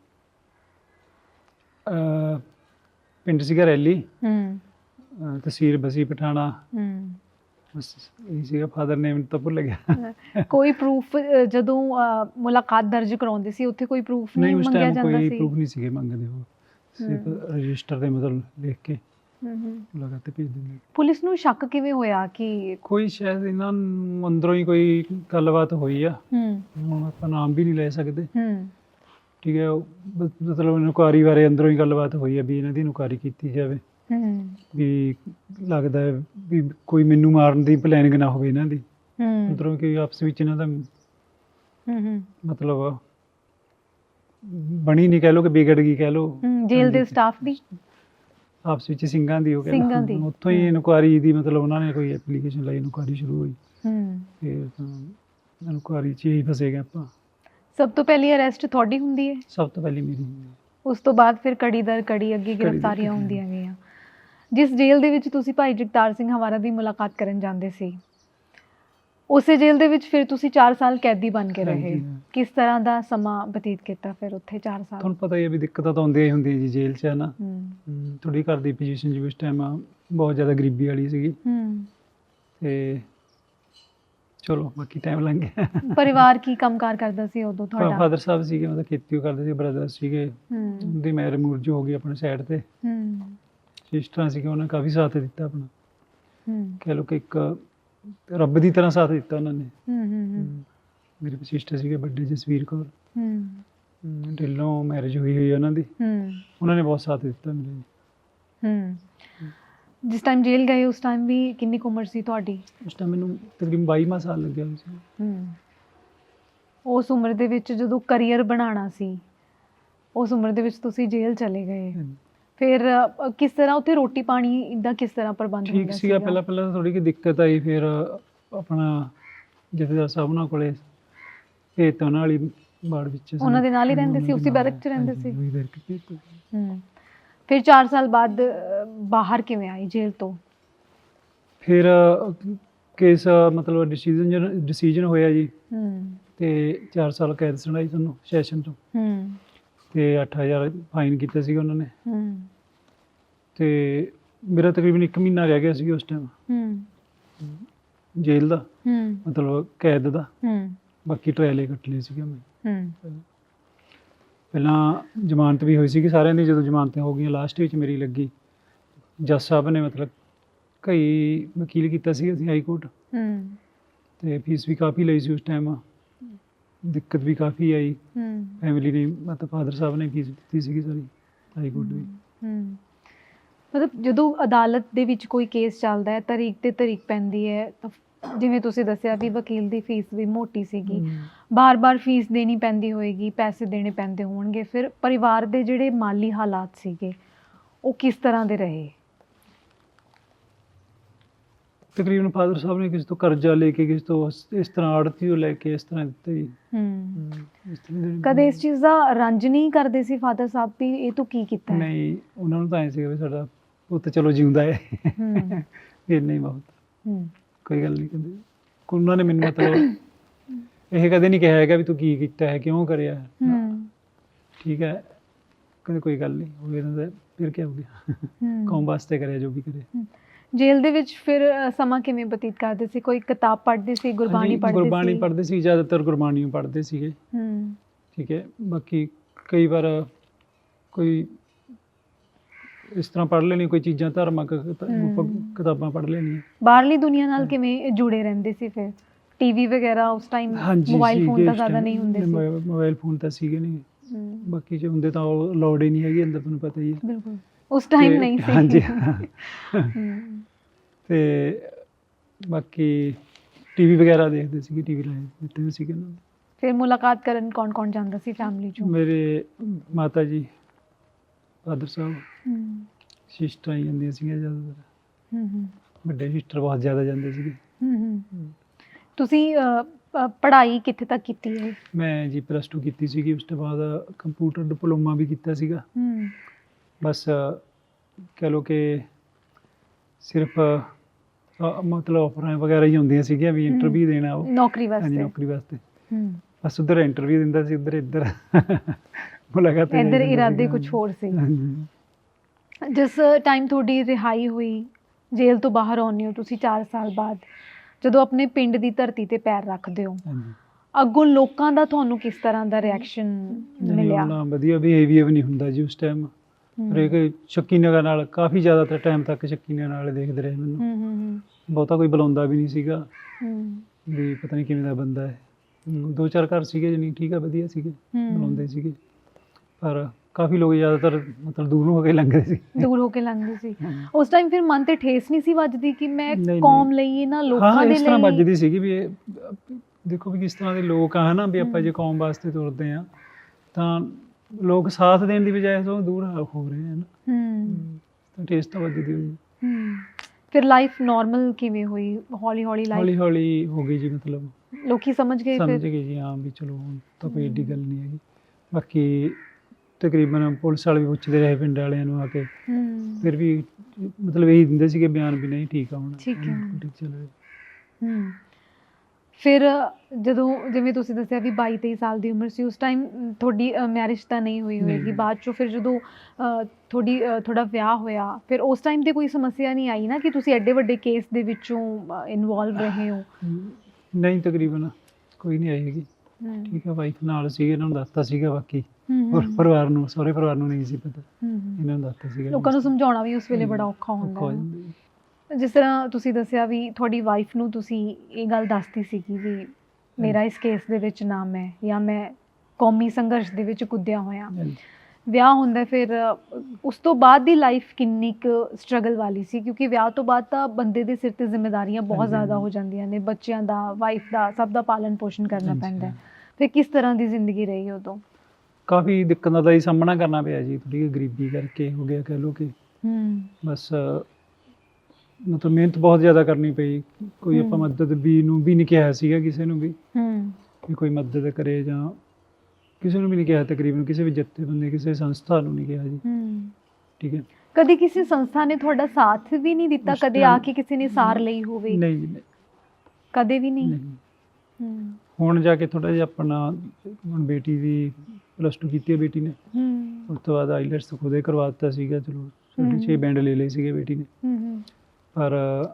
Speaker 2: ਅਹ, ਪਿੰਡ ਸੀਗਾ ਰੈਲੀ,
Speaker 1: ਹੂੰ
Speaker 2: ਅਹ, ਤਹਿਸੀਲ ਬਸੀ ਪਠਾਣਾ,
Speaker 1: ਹੂੰ
Speaker 2: ਬਸ ਇਹ ਸੀਗਾ। ਫਾਦਰ ਨੇਮ ਤਾਂ ਭੁੱਲ ਗਿਆ।
Speaker 1: ਕੋਈ ਪ੍ਰੂਫ ਜਦੋਂ ਅ, ਮੁਲਾਕਾਤ ਦਰਜ ਕਰਾਉਂਦੇ ਸੀ ਉੱਥੇ ਕੋਈ ਪ੍ਰੂਫ ਨਹੀਂ
Speaker 2: ਨਹੀਂ ਉਸ
Speaker 1: ਮੰਗਿਆ
Speaker 2: ਟਾਈਮ
Speaker 1: ਜਾਂਦਾ
Speaker 2: ਕੋਈ
Speaker 1: ਸੀ?
Speaker 2: ਪ੍ਰੂਫ ਨਹੀਂ ਸੀਗੇ ਮੰਗਦੇ, ਉਹ ਸਿਰਫ ਰਜਿਸਟਰ ਦੇ ਮਤਲਬ ਲਿਖ ਕੇ
Speaker 1: ਹੂੰ ਹੂੰ
Speaker 2: ਮੁਲਾਕਾਤ ਤੇ ਭੇਜ ਦਿੰਦੇ।
Speaker 1: ਪੁਲਿਸ ਨੂੰ ਸ਼ੱਕ ਕਿਵੇਂ ਹੋਇਆ ਕਿ?
Speaker 2: ਕੋਈ ਸ਼ਾਇਦ ਇਹਨਾਂ ਨੂੰ ਅੰਦਰੋਂ ਹੀ ਕੋਈ ਗੱਲਬਾਤ ਹੋਈ ਆ,
Speaker 1: ਹੂੰ
Speaker 2: ਹੁਣ ਆਪਾਂ ਨਾਮ ਵੀ ਨਹੀਂ ਲੈ ਸਕਦੇ,
Speaker 1: ਹੂੰ
Speaker 2: ਠੀਕ ਹੈ। ਉਹ ਬ- ਮਤਲਬ ਇਨਕੁਆਰੀ ਬਾਰੇ ਅੰਦਰੋਂ ਹੀ ਗੱਲਬਾਤ ਹੋਈ ਆ ਵੀ ਇਹਨਾਂ ਦੀ ਇਨਕੁਆਰੀ ਕੀਤੀ ਜਾਵੇ,
Speaker 1: ਹੂੰ
Speaker 2: ਵੀ ਲੱਗਦਾ ਹੈ ਵੀ ਕੋਈ ਮੈਨੂੰ ਮਾਰਨ ਦੀ ਪਲੈਨਿੰਗ ਨਾ ਹੋਵੇ ਇਹਨਾਂ ਦੀ,
Speaker 1: ਹੂੰ
Speaker 2: ਅੰਦਰੋਂ ਕਿ ਆਪਸ ਵਿੱਚ ਇਹਨਾਂ ਦਾ
Speaker 1: ਹੂੰ ਹੂੰ
Speaker 2: ਮਤਲਬ ਬਣੀ ਨਹੀਂ, ਕਹਿ ਲਓ ਕਿ ਵਿਗੜ ਗਈ ਕਹਿ ਲਓ।
Speaker 1: ਹੂੰ, ਜੇਲ੍ਹ ਦੇ
Speaker 2: ਹਾਂਜੀ।
Speaker 1: ਸਟਾਫ ਦੀ
Speaker 2: ਆਪਸ ਵਿੱਚ ਸਿੰਘਾਂ ਦੀ ਉਹ ਕਹਿ
Speaker 1: ਸਿੰਘਾਂ ਦੀ।
Speaker 2: ਲਓ, ਉੱਥੋਂ ਹੀ
Speaker 1: ਹੂੰ।
Speaker 2: ਇਨਕੁਆਰੀ ਦੀ ਮਤਲਬ ਉਹਨਾਂ ਨੇ ਕੋਈ ਐਪਲੀਕੇਸ਼ਨ ਲਾਈ, ਇਨਕੁਆਰੀ ਸ਼ੁਰੂ ਹੋਈ,
Speaker 1: ਹੂੰ
Speaker 2: ਫਿਰ ਤਾਂ ਇਨਕੁਆਰੀ 'ਚ ਹੀ ਫਸੇ ਗਏ ਆਪਾਂ।
Speaker 1: ਸਭ ਤੋਂ ਪਹਿਲੀ ਅਰੈਸਟ ਤੁਹਾਡੀ ਹੁੰਦੀ ਹੈ,
Speaker 2: ਸਭ ਤੋਂ ਪਹਿਲੀ ਮੇਰੀ ਹੁੰਦੀ ਹੈ।
Speaker 1: ਉਸ ਤੋਂ ਬਾਅਦ ਫਿਰ ਕੜੀ ਦਰ ਕੜੀ ਅੱਗੇ
Speaker 2: ਦਰ
Speaker 1: ਗ੍ਰਿਫਤਾਰੀਆਂ
Speaker 2: ਕੜੀ।
Speaker 1: ਹੁੰਦੀਆਂ ਗਈਆਂ। ਜਿਸ ਜੇਲ੍ਹ ਦੇ ਵਿੱਚ ਤੁਸੀਂ ਭਾਈ ਜਗਤਾਰ ਸਿੰਘ ਹਵਾਰਾ ਦੀ ਮੁਲਾਕਾਤ ਕਰਨ ਜਾਂਦੇ ਸੀ, ਉਸੇ ਜੇਲ੍ਹ ਦੇ ਵਿੱਚ ਫਿਰ ਤੁਸੀਂ ਚਾਰ ਸਾਲ ਕੈਦੀ ਬਣ ਕੇ ਰਹੇ।
Speaker 2: ਹਾਂਜੀ, ਹਾਂ।
Speaker 1: ਕਿਸ ਤਰ੍ਹਾਂ ਦਾ ਸਮਾਂ ਬਤੀਤ ਕੀਤਾ ਫਿਰ ਉੱਥੇ ਚਾਰ ਸਾਲ?
Speaker 2: ਤੁਹਾਨੂੰ ਪਤਾ ਹੀ ਹੈ ਵੀ ਦਿੱਕਤਾਂ ਤਾਂ ਆਉਂਦੀਆਂ ਹੀ ਹੁੰਦੀਆਂ ਜੀ ਜੇਲ੍ਹ 'ਚ, ਹੈ ਨਾ।
Speaker 1: ਹੂੰ
Speaker 2: ਹਮ, ਥੋੜੀ ਘਰ ਦੀ ਪੋਜੀਸ਼ਨ ਜਿਵੇਂ ਉਸ ਟਾਈਮ ਬਹੁਤ ਜ਼ਿਆਦਾ ਗਰੀਬੀ ਵਾਲੀ ਸੀਗੀ,
Speaker 1: ਹੂੰ
Speaker 2: ਤੇ ਚਲੋ ਬਾਕੀ ਟਾਈਮ ਲੰਘ ਗਿਆ।
Speaker 1: ਪਰਿਵਾਰ ਕੀ ਕੰਮਕਾਰ ਕਰਦਾ ਸੀ ਉਦੋਂ ਤੁਹਾਡਾ?
Speaker 2: ਫਾਦਰ ਸਾਹਿਬ ਸੀਗੇ, ਮਤਲਬ ਖੇਤੀ ਉਹ ਕਰਦੇ ਸੀ, ਬ੍ਰਦਰ ਸੀਗੇ,
Speaker 1: ਹੂੰ
Speaker 2: ਉਹਦੀ ਮੈਰਿਜ ਮੂਰਜ ਹੋ ਗਈ ਆਪਣੇ ਸਾਈਡ ਤੇ।
Speaker 1: ਹੂੰ
Speaker 2: ਸਿਸਟਰਾਂ ਸੀਗੇ, ਉਹਨਾਂ ਨੇ ਕਾਫੀ ਸਾਥ ਦਿੱਤਾ ਆਪਣਾ,
Speaker 1: ਹੂੰ
Speaker 2: ਕਹਿ ਲਓ ਕਿ ਇੱਕ ਰੱਬ ਦੀ ਤਰ੍ਹਾਂ ਸਾਥ ਦਿੱਤਾ ਉਹਨਾਂ ਨੇ।
Speaker 1: ਹੂੰ ਹੂੰ
Speaker 2: ਹਮ, ਮੇਰੇ ਸਿਸਟਰ ਸੀਗੇ ਵੱਡੇ ਜਸਵੀਰ ਕੌਰ,
Speaker 1: ਹੂੰ
Speaker 2: ਹਮ, ਢਿੱਲੋਂ ਮੈਰਿਜ ਹੋਈ ਹੋਈ ਉਹਨਾਂ ਦੀ,
Speaker 1: ਹੂੰ
Speaker 2: ਉਹਨਾਂ ਨੇ ਬਹੁਤ ਸਾਥ ਦਿੱਤਾ ਮੇਰੇ।
Speaker 1: ਹੂੰ ਜਿਸ ਟਾਈਮ ਜੇਲ੍ਹ ਗਏ ਉਸ ਟਾਈਮ ਵੀ ਕਿੰਨੀ ਕੁ ਉਮਰ ਸੀ ਤੁਹਾਡੀ?
Speaker 2: ਉਸ ਟਾਈਮ ਮੈਨੂੰ ਤਕਰੀਬਨ ਬਾਈਵਾਂ ਸਾਲ ਲੱਗਿਆ ਹੋਇਆ ਸੀ।
Speaker 1: ਹੂੰ ਉਸ ਉਮਰ ਦੇ ਵਿੱਚ ਜਦੋਂ ਕਰੀਅਰ ਬਣਾਉਣਾ ਸੀ, ਉਸ ਉਮਰ ਦੇ ਵਿੱਚ ਤੁਸੀਂ ਜੇਲ੍ਹ ਚਲੇ ਗਏ,
Speaker 2: ਹਾਂਜੀ।
Speaker 1: ਫਿਰ ਅ, ਕਿਸ ਤਰ੍ਹਾਂ ਉੱਥੇ ਰੋਟੀ ਪਾਣੀ ਦਾ ਕਿਸ ਤਰ੍ਹਾਂ ਪ੍ਰਬੰਧ
Speaker 2: ਠੀਕ
Speaker 1: ਹੁੰਦਾ
Speaker 2: ਸੀਗਾ, ਪਹਿਲਾਂ ਪਹਿਲਾਂ ਥੋੜੀ ਜਿਹੀ ਦਿੱਕਤ ਆਈ, ਫਿਰ ਆਪਣਾ ਜਥੇਦਾਰ ਸਾਹਿਬ ਉਹਨਾਂ ਕੋਲੇ ਭੇਜਤਾ, ਉਹਨਾਂ ਵਾਲੀ ਬਾੜ ਵਿੱਚ।
Speaker 1: ਉਹਨਾਂ ਦੇ ਨਾਲ ਹੀ ਰਹਿੰਦੇ ਸੀ,
Speaker 2: ਉਹਨਾਂ ਦੇ
Speaker 1: ਉਸੇ
Speaker 2: ਨਾਲ,
Speaker 1: ਬੈਰਕ 'ਚ ਰਹਿੰਦੇ
Speaker 2: ਹਾਂਜੀ,
Speaker 1: ਸੀ?
Speaker 2: ਉਹੀ ਬੈਰਕ 'ਚ ਭੇਜਤਾ ਸੀ।
Speaker 1: ਹੂੰ ਫਿਰ ਚਾਰ ਸਾਲ ਬਾਅਦ ਅ, ਬਾਹਰ ਕਿਵੇਂ ਆਈ ਜੇਲ੍ਹ ਤੋਂ?
Speaker 2: ਫਿਰ ਕੇਸ ਮਤਲਬ ਡਿਸੀਜਨ ਡਿਸੀਜਨ ਹੋਇਆ ਜੀ,
Speaker 1: ਹੂੰ
Speaker 2: ਤੇ ਚਾਰ ਸਾਲ ਕੈਦ ਸੁਣਾਈ ਤੁਹਾਨੂੰ ਸੈਸ਼ਨ ਤੋਂ,
Speaker 1: ਹੂੰ
Speaker 2: ਤੇ ਅੱਠ ਹਜ਼ਾਰ ਫਾਈਨ ਕੀਤਾ ਸੀਗਾ ਉਹਨਾਂ ਨੇ,
Speaker 1: ਹੂੰ
Speaker 2: ਤੇ ਮੇਰਾ ਤਕਰੀਬਨ ਇੱਕ ਮਹੀਨਾ ਰਹਿ ਗਿਆ ਸੀ ਉਸ ਟਾਈਮ
Speaker 1: ਹੂੰ
Speaker 2: ਜੇਲ੍ਹ ਦਾ,
Speaker 1: ਹੂੰ
Speaker 2: ਮਤਲਬ ਕੈਦ ਦਾ।
Speaker 1: ਹੂੰ
Speaker 2: ਬਾਕੀ ਟਰਾਇਲੇ ਕੱਟ ਲਏ ਸੀਗੇ ਮੈਂ।
Speaker 1: ਹੂੰ
Speaker 2: ਪਹਿਲਾਂ ਜ਼ਮਾਨਤ ਵੀ ਹੋਈ ਸੀਗੀ ਸਾਰਿਆਂ ਦੀ, ਜਦੋਂ ਜ਼ਮਾਨਤਾਂ ਹੋ ਗਈਆਂ ਲਾਸਟ ਵਿੱਚ ਮੇਰੀ ਲੱਗੀ। ਜੱਜ ਸਾਹਿਬ ਨੇ ਮਤਲਬ ਕਈ ਵਕੀਲ ਕੀਤਾ ਸੀ ਅਸੀਂ ਹਾਈ ਕੋਰਟ,
Speaker 1: ਹੂੰ
Speaker 2: ਤੇ ਫੀਸ ਵੀ ਕਾਫੀ ਲਈ ਸੀ ਉਸ ਟਾਈਮ, ਦਿੱਕਤ ਵੀ ਕਾਫੀ ਆਈ
Speaker 1: ਹੂੰ
Speaker 2: ਫੈਮਿਲੀ ਨੇ, ਮਤਲਬ ਫਾਦਰ ਸਾਹਿਬ ਨੇ ਫੀਸ ਦਿੱਤੀ ਸੀਗੀ ਸਾਰੀ ਹਾਈ ਕੋਰਟ ਦੀ।
Speaker 1: ਹੂੰ ਮਤਲਬ ਜਦੋਂ ਅਦਾਲਤ ਦੇ ਵਿੱਚ ਕੋਈ ਕੇਸ ਚੱਲਦਾ ਹੈ, ਤਰੀਕ ਤੇ ਤਰੀਕ ਪੈਂਦੀ ਹੈ, ਤਾਂ ਜਿਵੇਂ ਤੁਸੀਂ ਦੱਸਿਆ ਵੀ ਵਕੀਲ ਦੀ ਫੀਸ ਵੀ ਮੋਟੀ ਸੀਗੀ, ਬਾਰ-ਬਾਰ ਫੀਸ ਦੇਣੀ ਪੈਂਦੀ ਹੋਏਗੀ, ਪੈਸੇ ਦੇਣੇ ਪੈਂਦੇ ਹੋਣਗੇ, ਫਿਰ ਪਰਿਵਾਰ ਦੇ ਜਿਹੜੇ ਮਾਲੀ ਹਾਲਾਤ ਸੀਗੇ ਉਹ ਕਿਸ ਤਰ੍ਹਾਂ ਦੇ ਰਹੇ?
Speaker 2: ਤਕਰੀਬਨ ਫਾਦਰ ਸਾਹਿਬ ਨੇ ਕਿਸੇ ਤੋਂ ਕਰਜ਼ਾ ਲੈ ਕੇ, ਕਿਸੇ ਤੋਂ ਇਸ ਇਸ ਤਰ੍ਹਾਂ ਆੜਤੀ ਤੋਂ ਲੈ ਕੇ ਇਸ ਤਰ੍ਹਾਂ ਦਿੱਤਾ ਜੀ।
Speaker 1: ਹੂੰ
Speaker 2: ਇਸ ਤਰ੍ਹਾਂ ਦੇ-
Speaker 1: ਕਦੇ ਇਸ ਚੀਜ਼ ਦਾ ਰੰਜ ਨਹੀਂ ਕਰਦੇ ਸੀ ਫਾਦਰ ਸਾਹਿਬ ਵੀ ਇਹ ਤੂੰ ਕੀ ਕੀਤਾ ਹੈ?
Speaker 2: ਨਹੀਂ, ਉਹਨਾਂ ਨੂੰ ਤਾਂ ਐਂ ਸੀਗਾ ਵੀ ਸਾਡਾ ਪੁੱਤ ਚਲੋ ਜਿਉਂਦਾ ਹੈ,
Speaker 1: ਹੂੰ
Speaker 2: ਇਹ ਨਹੀਂ ਬਹੁਤ,
Speaker 1: ਹੂੰ
Speaker 2: ਕੋਈ ਗੱਲ ਨਹੀਂ ਕਹਿੰਦੇ। ਉਹਨਾਂ ਨੇ ਮੈਨੂੰ ਮਤਲਬ ਇਹ ਕਦੇ ਨਹੀਂ ਕਿਹਾ ਹੈਗਾ ਵੀ ਤੂੰ ਕੀ ਕੀਤਾ ਹੈ, ਕਿਉਂ ਕਰਿਆ ਹੈ।
Speaker 1: ਹੂੰ
Speaker 2: ਠੀਕ ਹੈ, ਕਹਿੰਦੇ ਕੋਈ ਗੱਲ ਨਹੀਂ, ਹੋ ਜਾਂਦਾ ਫਿਰ ਕੀ ਹੋ ਗਿਆ,
Speaker 1: ਹੂੰ
Speaker 2: ਕੌਮ ਵਾਸਤੇ ਕਰਿਆ ਜੋ ਵੀ ਕਰੇ।
Speaker 1: ਜੇਲ੍ਹ ਦੇ ਵਿੱਚ ਫਿਰ ਅ, ਸਮਾਂ ਕਿਵੇਂ ਬਤੀਤ ਕਰਦੇ ਸੀ? ਕੋਈ ਕਿਤਾਬ ਪੜ੍ਹਦੇ ਸੀ, ਗੁਰਬਾਣੀ
Speaker 2: ਹਾਂਜੀ,
Speaker 1: ਪੜ੍ਹਦੇ
Speaker 2: ਗੁਰਬਾਣੀ
Speaker 1: ਸੀ?
Speaker 2: ਪੜ੍ਹਦੇ ਸੀ, ਜ਼ਿਆਦਾਤਰ ਗੁਰਬਾਣੀ ਓ ਪੜ੍ਹਦੇ ਸੀਗੇ।
Speaker 1: ਹੂੰ
Speaker 2: ਠੀਕ ਹੈ, ਬਾਕੀ ਕਈ ਵਾਰ ਕੋਈ ਇਸ ਤਰ੍ਹਾਂ ਪੜ੍ਹ ਲੈਣੀ, ਕੋਈ ਚੀਜ਼ਾਂ ਧਾਰਮਿਕ ਕਿਤਾ-
Speaker 1: ਹੂੰ।
Speaker 2: ਕਿਤਾਬਾਂ ਪੜ੍ਹ ਲੈਣੀਆਂ।
Speaker 1: ਬਾਹਰਲੀ ਦੁਨੀਆ ਨਾਲ ਕਿਵੇਂ ਜੁੜੇ ਰਹਿੰਦੇ ਸੀ ਫਿਰ? ਟੀਵੀ ਵਗੈਰਾ ਉਸ ਟਾਈਮ
Speaker 2: ਹਾਂਜੀ,
Speaker 1: ਮੋਬਾਈਲ ਫੋਨ
Speaker 2: ਸੀਗੇ
Speaker 1: ਤਾਂ
Speaker 2: ਉਸ
Speaker 1: ਜ਼ਿਆਦਾ
Speaker 2: time,
Speaker 1: ਨਹੀਂ ਹੁੰਦੇ ਸੀ।
Speaker 2: ਮੋਬਾਈਲ- ਮੋਬਾਈਲ ਫੋਨ ਤਾਂ ਸੀਗੇ ਨਹੀਂ,
Speaker 1: ਹੂੰ,
Speaker 2: ਬਾਕੀ ਜੇ ਹੁੰਦੇ ਤਾਂ ਉਹ ਲੋੜ ਹੀ ਨਹੀਂ ਹੈਗੀ ਅੰਦਰ, ਤੁਹਾਨੂੰ ਪਤਾ ਹੀ ਹੈ।
Speaker 1: ਬਿਲਕੁਲ ਉਸ ਟਾਈਮ
Speaker 2: ਤੇ-
Speaker 1: ਨਹੀਂ ਸੀ।
Speaker 2: ਹਾਂਜੀ
Speaker 1: ਹੂੰ,
Speaker 2: ਤੇ ਬਾਕੀ ਟੀਵੀ ਵਗੈਰਾ ਦੇਖਦੇ ਸੀਗੇ, ਟੀਵੀ ਲਾਏ ਦਿੱਤੇ ਹੋਏ ਸੀਗੇ ਨਾ।
Speaker 1: ਫਿਰ ਮੁਲਾਕਾਤ ਕਰਨ ਕੌਣ ਕੌਣ ਜਾਂਦਾ ਸੀ ਫੈਮਿਲੀ ਚੋਂ?
Speaker 2: ਮੇਰੇ ਮਾਤਾ ਜੀ, ਫਾਦਰ ਸਾਹਿਬ,
Speaker 1: ਹੂੰ
Speaker 2: ਸਿਸਟਰਾਂ ਹੀ ਜਾਂਦੀਆਂ ਸੀਗੀਆਂ ਜ਼ਿਆਦਾਤਰ,
Speaker 1: ਹੂੰ ਹੂੰ
Speaker 2: ਵੱਡੇ ਸਿਸਟਰ ਬਹੁਤ ਜ਼ਿਆਦਾ ਜਾਂਦੇ ਸੀਗੇ।
Speaker 1: ਹੂੰ ਹੂੰ ਤੁਸੀਂ ਅ, ਪ- ਪੜ੍ਹਾਈ ਕਿੱਥੇ ਤੱਕ ਕੀਤੀ ਹੈ?
Speaker 2: ਮੈਂ ਜੀ ਪਲੱਸ ਟੂ ਕੀਤੀ ਸੀਗੀ, ਉਸ ਤੋਂ ਬਾਅਦ ਕੰਪਿਊਟਰ ਡਿਪਲੋਮਾ ਵੀ ਕੀਤਾ ਸੀਗਾ।
Speaker 1: ਹੂੰ
Speaker 2: ਬਸ ਕਹਿ ਲਓ ਕਿ ਸਿਰਫ ਅ, ਮਤਲਬ ਆਫਰਾਂ ਵਗੈਰਾ ਹੀ ਹੁੰਦੀਆਂ ਸੀਗੀਆਂ ਵੀ ਇੰਟਰਵਿਊ ਦੇਣਾ, ਉਹ
Speaker 1: ਨੌਕਰੀ
Speaker 2: ਹਾਂਜੀ
Speaker 1: ਵਾਸਤੇ?
Speaker 2: ਨੌਕਰੀ ਵਾਸਤੇ।
Speaker 1: ਹੂੰ
Speaker 2: ਬਸ ਉੱਧਰ ਇੰਟਰਵਿਊ ਦਿੰਦਾ ਸੀ, ਉੱਧਰ ਇੱਧਰ ਮੁਲਾਕਾਤ ਹੋ
Speaker 1: ਇੱਧਰ
Speaker 2: ਜਾਂਦੀ
Speaker 1: ਇਰਾਦੇ
Speaker 2: ਸੀਗਾ।
Speaker 1: ਕੁਝ ਹੋਰ ਸੀ।
Speaker 2: ਹਾਂਜੀ।
Speaker 1: ਜਿਸ ਟਾਈਮ ਤੁਹਾਡੀ ਰਿਹਾਈ ਹੋਈ, ਜੇਲ੍ਹ ਤੋਂ ਬਾਹਰ ਆਉਂਦੇ ਹੋ ਤੁਸੀਂ ਚਾਰ ਸਾਲ ਬਾਅਦ, ਜਦੋਂ ਆਪਣੇ ਪਿੰਡ ਦੀ ਧਰਤੀ ਤੇ ਪੈਰ ਰੱਖਦੇ ਹੋ,
Speaker 2: ਹਾਂਜੀ,
Speaker 1: ਅੱਗੋਂ ਲੋਕਾਂ ਦਾ ਤੁਹਾਨੂੰ ਕਿਸ ਤਰ੍ਹਾਂ ਦਾ ਰਿਐਕਸ਼ਨ
Speaker 2: ਨਹੀਂ
Speaker 1: ਮਿਲਿਆ?
Speaker 2: ਉਹਨਾਂ ਵਧੀਆ ਬਿਹੇਵੀਅਰ ਨਹੀਂ ਹੁੰਦਾ ਜੀ ਉਸ ਟਾਈਮ।
Speaker 1: ਹੂੰ,
Speaker 2: ਹਰੇਕ ਸ਼ੱਕੀ ਨਿਗਾਹ ਨਾਲ, ਕਾਫੀ ਜ਼ਿਆਦਾ ਟਾਈਮ ਤੱਕ ਸ਼ੱਕੀ ਨਿਗਾਹ ਨਾਲ ਦੇਖਦੇ ਰਹੇ ਮੈਨੂੰ।
Speaker 1: ਹੂੰ ਹੂੰ
Speaker 2: ਬਹੁਤਾ ਕੋਈ ਬੁਲਾਉਂਦਾ ਵੀ ਨਹੀਂ ਸੀਗਾ
Speaker 1: ਹੂੰ
Speaker 2: ਵੀ ਪਤਾ ਨਹੀਂ ਕਿਵੇਂ ਦਾ ਬੰਦਾ ਹੈ। ਹਮ, ਦੋ ਚਾਰ ਘਰ ਸੀਗੇ ਜਾਣੀ ਠੀਕ ਆ, ਵਧੀਆ ਸੀਗੇ,
Speaker 1: ਹੂੰ
Speaker 2: ਬੁਲਾਉਂਦੇ ਸੀਗੇ, ਪਰ ਕਾਫੀ ਲੋਕ ਜ਼ਿਆਦਾਤਰ ਮਤਲਬ ਦੂਰ ਨੂੰ ਹੋ ਕੇ ਲੰਘਦੇ ਸੀ।
Speaker 1: ਦੂਰ ਹੋ ਕੇ ਲੰਘਦੇ ਸੀ
Speaker 2: ਹਾਂ।
Speaker 1: ਉਸ ਟਾਈਮ। ਫਿਰ ਮਨ ਤੇ ਠੇਸ ਨਹੀਂ ਸੀ ਵੱਜਦੀ ਕਿ ਮੈਂ
Speaker 2: ਨਹੀਂ, ਨਹੀਂ।
Speaker 1: ਕੌਮ ਲਈ ਇਹਨਾਂ ਲੋਕਾਂ
Speaker 2: ਹਾਂ
Speaker 1: ਦੇ
Speaker 2: ਇਸ ਤਰ੍ਹਾਂ
Speaker 1: ਲਈ
Speaker 2: ਵੱਜਦੀ ਸੀਗੀ ਵੀ ਇਹ ਦੇਖੋ ਵੀ ਕਿਸ ਤਰ੍ਹਾਂ ਦੇ ਲੋਕ ਆ ਹਨਾ, ਵੀ ਆਪਾਂ
Speaker 1: ਹਮ।
Speaker 2: ਜੇ ਕੌਮ ਵਾਸਤੇ ਤੁਰਦੇ ਆ ਤਾਂ ਲੋਕ ਸਾਥ ਦੇਣ ਦੀ ਬਜਾਏ ਤੋਂ ਦੂਰ ਹੋ ਰਹੇ ਹਨ।
Speaker 1: ਹੂੰ
Speaker 2: ਤਾਂ ਠੇਸ ਤਾਂ ਵੱਜਦੀ ਹੋਈ।
Speaker 1: ਹੂੰ ਫਿਰ ਲਾਈਫ ਨਾਰਮਲ ਕਿਵੇਂ ਹੋਈ? ਹੌਲੀ ਹੌਲੀ ਲਾਈਫ
Speaker 2: ਹੌਲੀ ਹੌਲੀ ਹੋ ਗਈ ਜੀ, ਮਤਲਬ
Speaker 1: ਲੋਕੀ ਸਮਝ ਗਏ
Speaker 2: ਸਮਝ
Speaker 1: ਫਿਰ?
Speaker 2: ਗਏ ਜੀ ਹਾਂ ਵੀ ਚਲੋ ਹੁਣ ਤਾਂ ਕੋਈ ਏਡੀ ਗੱਲ ਨਹੀਂ ਹੈਗੀ। ਬਾਕੀ ਤਕਰੀਬਨ ਪੁਲਿਸ ਵਾਲੇ ਵੀ ਪੁੱਛਦੇ ਰਹੇ ਪਿੰਡ ਵਾਲਿਆਂ ਨੂੰ ਆ ਕੇ,
Speaker 1: ਹੂੰ
Speaker 2: ਫਿਰ ਵੀ ਮਤਲਬ ਇਹੀ ਦਿੰਦੇ ਸੀਗੇ ਬਿਆਨ ਵੀ ਨਹੀਂ ਠੀਕ ਆ ਹੁਣ
Speaker 1: ਠੀਕ ਹੈ।
Speaker 2: ਹੁਣ ਠੀਕ ਚੱਲ ਰਿਹਾ।
Speaker 1: ਹੂੰ ਫਿਰ ਜਦੋਂ ਜਿਵੇਂ ਤੁਸੀਂ ਦੱਸਿਆ ਵੀ ਬਾਈ ਤੇਈ ਸਾਲ ਦੀ ਉਮਰ ਸੀ ਉਸ ਟਾਈਮ ਤੁਹਾਡੀ ਮੈਰਿਜ ਤਾਂ ਨਹੀਂ ਹੋਈ ਹੋਏਗੀ,
Speaker 2: ਨਹੀਂ।
Speaker 1: ਬਾਅਦ ਚੋਂ ਫਿਰ ਜਦੋਂ ਅ, ਤੁਹਾਡੀ ਅ, ਤੁਹਾਡਾ ਵਿਆਹ ਹੋਇਆ ਫਿਰ ਉਸ ਟਾਈਮ ਤੇ ਕੋਈ ਸਮੱਸਿਆ ਨਹੀਂ ਆਈ ਨਾ ਕਿ ਤੁਸੀਂ ਐਡੇ ਵੱਡੇ ਕੇਸ ਦੇ ਵਿੱਚੋਂ ਇਨਵੋਲਵ ਰਹੇ ਹੋ?
Speaker 2: ਨਹੀਂ ਤਕਰੀਬਨ ਕੋਈ ਨਹੀਂ ਆਈ ਹੈਗੀ।
Speaker 1: ਹੂੰ
Speaker 2: ਠੀਕ ਹੈ, ਵਾਈਫ ਨਾਲ ਸੀਗੇ, ਇਹਨਾਂ ਨੂੰ ਦੱਸਤਾ ਸੀਗਾ, ਬਾਕੀ
Speaker 1: ਹੂੰ,
Speaker 2: ਹੋਰ
Speaker 1: ਹੂੰ,
Speaker 2: ਪਰਿਵਾਰ ਨੂੰ ਸਹੁਰੇ ਪਰਿਵਾਰ ਨੂੰ ਨਹੀਂ ਸੀ ਪਤਾ,
Speaker 1: ਹੂੰ, ਹੂੰ।
Speaker 2: ਇਹਨਾਂ ਨੂੰ ਦੱਸਤਾ ਸੀਗਾ।
Speaker 1: ਲੋਕਾਂ ਨੂੰ ਸਮਝਾਉਣਾ ਵੀ ਉਸ ਵੇਲੇ ਬੜਾ ਔਖਾ
Speaker 2: ਔਖਾ
Speaker 1: ਹੁੰਦਾ
Speaker 2: ਹੋ
Speaker 1: ਹੈ।
Speaker 2: ਜਾਂਦਾ ਜੀ।
Speaker 1: ਜਿਸ ਤਰ੍ਹਾਂ ਤੁਸੀਂ ਦੱਸਿਆ ਵੀ ਤੁਹਾਡੀ ਵਾਈਫ ਨੂੰ ਤੁਸੀਂ ਇਹ ਗੱਲ ਦੱਸਤੀ ਸੀਗੀ ਵੀ ਮੇਰਾ ਇਸ ਕੇਸ ਦੇ ਵਿੱਚ ਨਾਮ ਹੈ ਜਾਂ ਮੈਂ ਕੌਮੀ ਸੰਘਰਸ਼ ਦੇ ਵਿੱਚ ਕੁੱਦਿਆ ਹੋਇਆ।
Speaker 2: ਹਾਂਜੀ।
Speaker 1: ਵਿਆਹ ਹੁੰਦਾ ਫਿਰ ਅ, ਉਸ ਤੋਂ ਬਾਅਦ ਦੀ ਲਾਈਫ ਕਿੰਨੀ ਕੁ ਸਟਰਗਲ ਵਾਲੀ ਸੀ? ਕਿਉਂਕਿ ਵਿਆਹ ਤੋਂ ਬਾਅਦ ਤਾਂ ਬੰਦੇ ਦੇ ਸਿਰ ਤੇ ਜ਼ਿੰਮੇਵਾਰੀਆਂ ਬਹੁਤ
Speaker 2: ਹਾਂਜੀ,
Speaker 1: ਜ਼ਿਆਦਾ
Speaker 2: ਹਾਂਜੀ।
Speaker 1: ਹੋ ਜਾਂਦੀਆਂ ਨੇ, ਬੱਚਿਆਂ ਦਾ, ਵਾਈਫ ਦਾ, ਸਭ ਦਾ ਪਾਲਣ ਪੋਸ਼ਣ ਕਰਨਾ
Speaker 2: ਹਾਂਜੀ,
Speaker 1: ਪੈਂਦਾ ਹੈ।
Speaker 2: ਹਾਂ।
Speaker 1: ਫਿਰ ਕਿਸ ਤਰ੍ਹਾਂ ਦੀ ਜ਼ਿੰਦਗੀ ਰਹੀ ਉਦੋਂ?
Speaker 2: ਕਾਫੀ ਦਿੱਕਤਾਂ ਦਾ ਹੀ ਸਾਹਮਣਾ ਕਰਨਾ ਪਿਆ ਜੀ, ਥੋੜੀ ਜਿਹੀ ਗਰੀਬੀ ਕਰਕੇ ਹੋ ਗਿਆ ਕਹਿ ਲਓ ਕਿ
Speaker 1: ਹੂੰ
Speaker 2: ਬਸ ਮਤਲਬ ਮਿਹਨਤ ਬਹੁਤ ਜ਼ਿਆਦਾ ਕਰਨੀ ਪਈ। ਕੋਈ ਆਪਾਂ
Speaker 1: ਹੂੰ।
Speaker 2: ਮਦਦ ਵੀ ਨੂੰ ਵੀ ਨਹੀਂ ਕਿਹਾ ਸੀਗਾ ਕਿਸੇ ਨੂੰ ਵੀ
Speaker 1: ਹੂੰ
Speaker 2: ਵੀ ਕੋਈ ਮਦਦ ਕਰੇ, ਜਾਂ ਕਿਸੇ ਨੂੰ ਵੀ ਨਹੀਂ ਕਿਹਾ, ਤਕਰੀਬਨ ਕਿਸੇ ਵੀ ਜਥੇਬੰਦੀ ਕਿਸੇ ਸੰਸਥਾ ਨੂੰ ਨਹੀਂ ਕਿਹਾ ਜੀ।
Speaker 1: ਹੂੰ
Speaker 2: ਠੀਕ ਹੈ।
Speaker 1: ਕਦੇ ਕਿਸੇ ਸੰਸਥਾ ਨੇ ਤੁਹਾਡਾ ਸਾਥ ਵੀ ਨਹੀਂ ਦਿੱਤਾ?
Speaker 2: ਉਸ
Speaker 1: ਕਦੇ ਆ
Speaker 2: time
Speaker 1: ਕੇ ਕਿਸੇ ਨੇ ਸਾਰ ਲਈ ਹੋਵੇ?
Speaker 2: ਨਹੀਂ ਜੀ, ਨਹੀਂ
Speaker 1: ਕਦੇ ਵੀ ਨਹੀਂ?
Speaker 2: ਨਹੀਂ।
Speaker 1: ਹੂੰ
Speaker 2: ਹੁਣ ਜਾ ਕੇ ਥੋੜਾ ਜਿਹਾ ਆਪਣਾ ਹੁਣ ਬੇਟੀ ਦੀ ਪਲੱਸ ਟੂ ਕੀਤੀ ਹੈ ਬੇਟੀ ਨੇ,
Speaker 1: ਹੂੰ
Speaker 2: ਉਸ ਤੋਂ ਬਾਅਦ ਆਈਲੈਟਸ ਖੁਦੇ ਕਰਵਾ ਦਿੱਤਾ ਸੀਗਾ। ਚਲੋ ਸਾਢੇ ਛੇ
Speaker 1: ਹਮ।
Speaker 2: ਬੈਂਡ ਲੈ ਲਏ ਸੀਗੇ ਬੇਟੀ ਨੇ,
Speaker 1: ਹੂੰ ਹੂੰ
Speaker 2: ਪਰ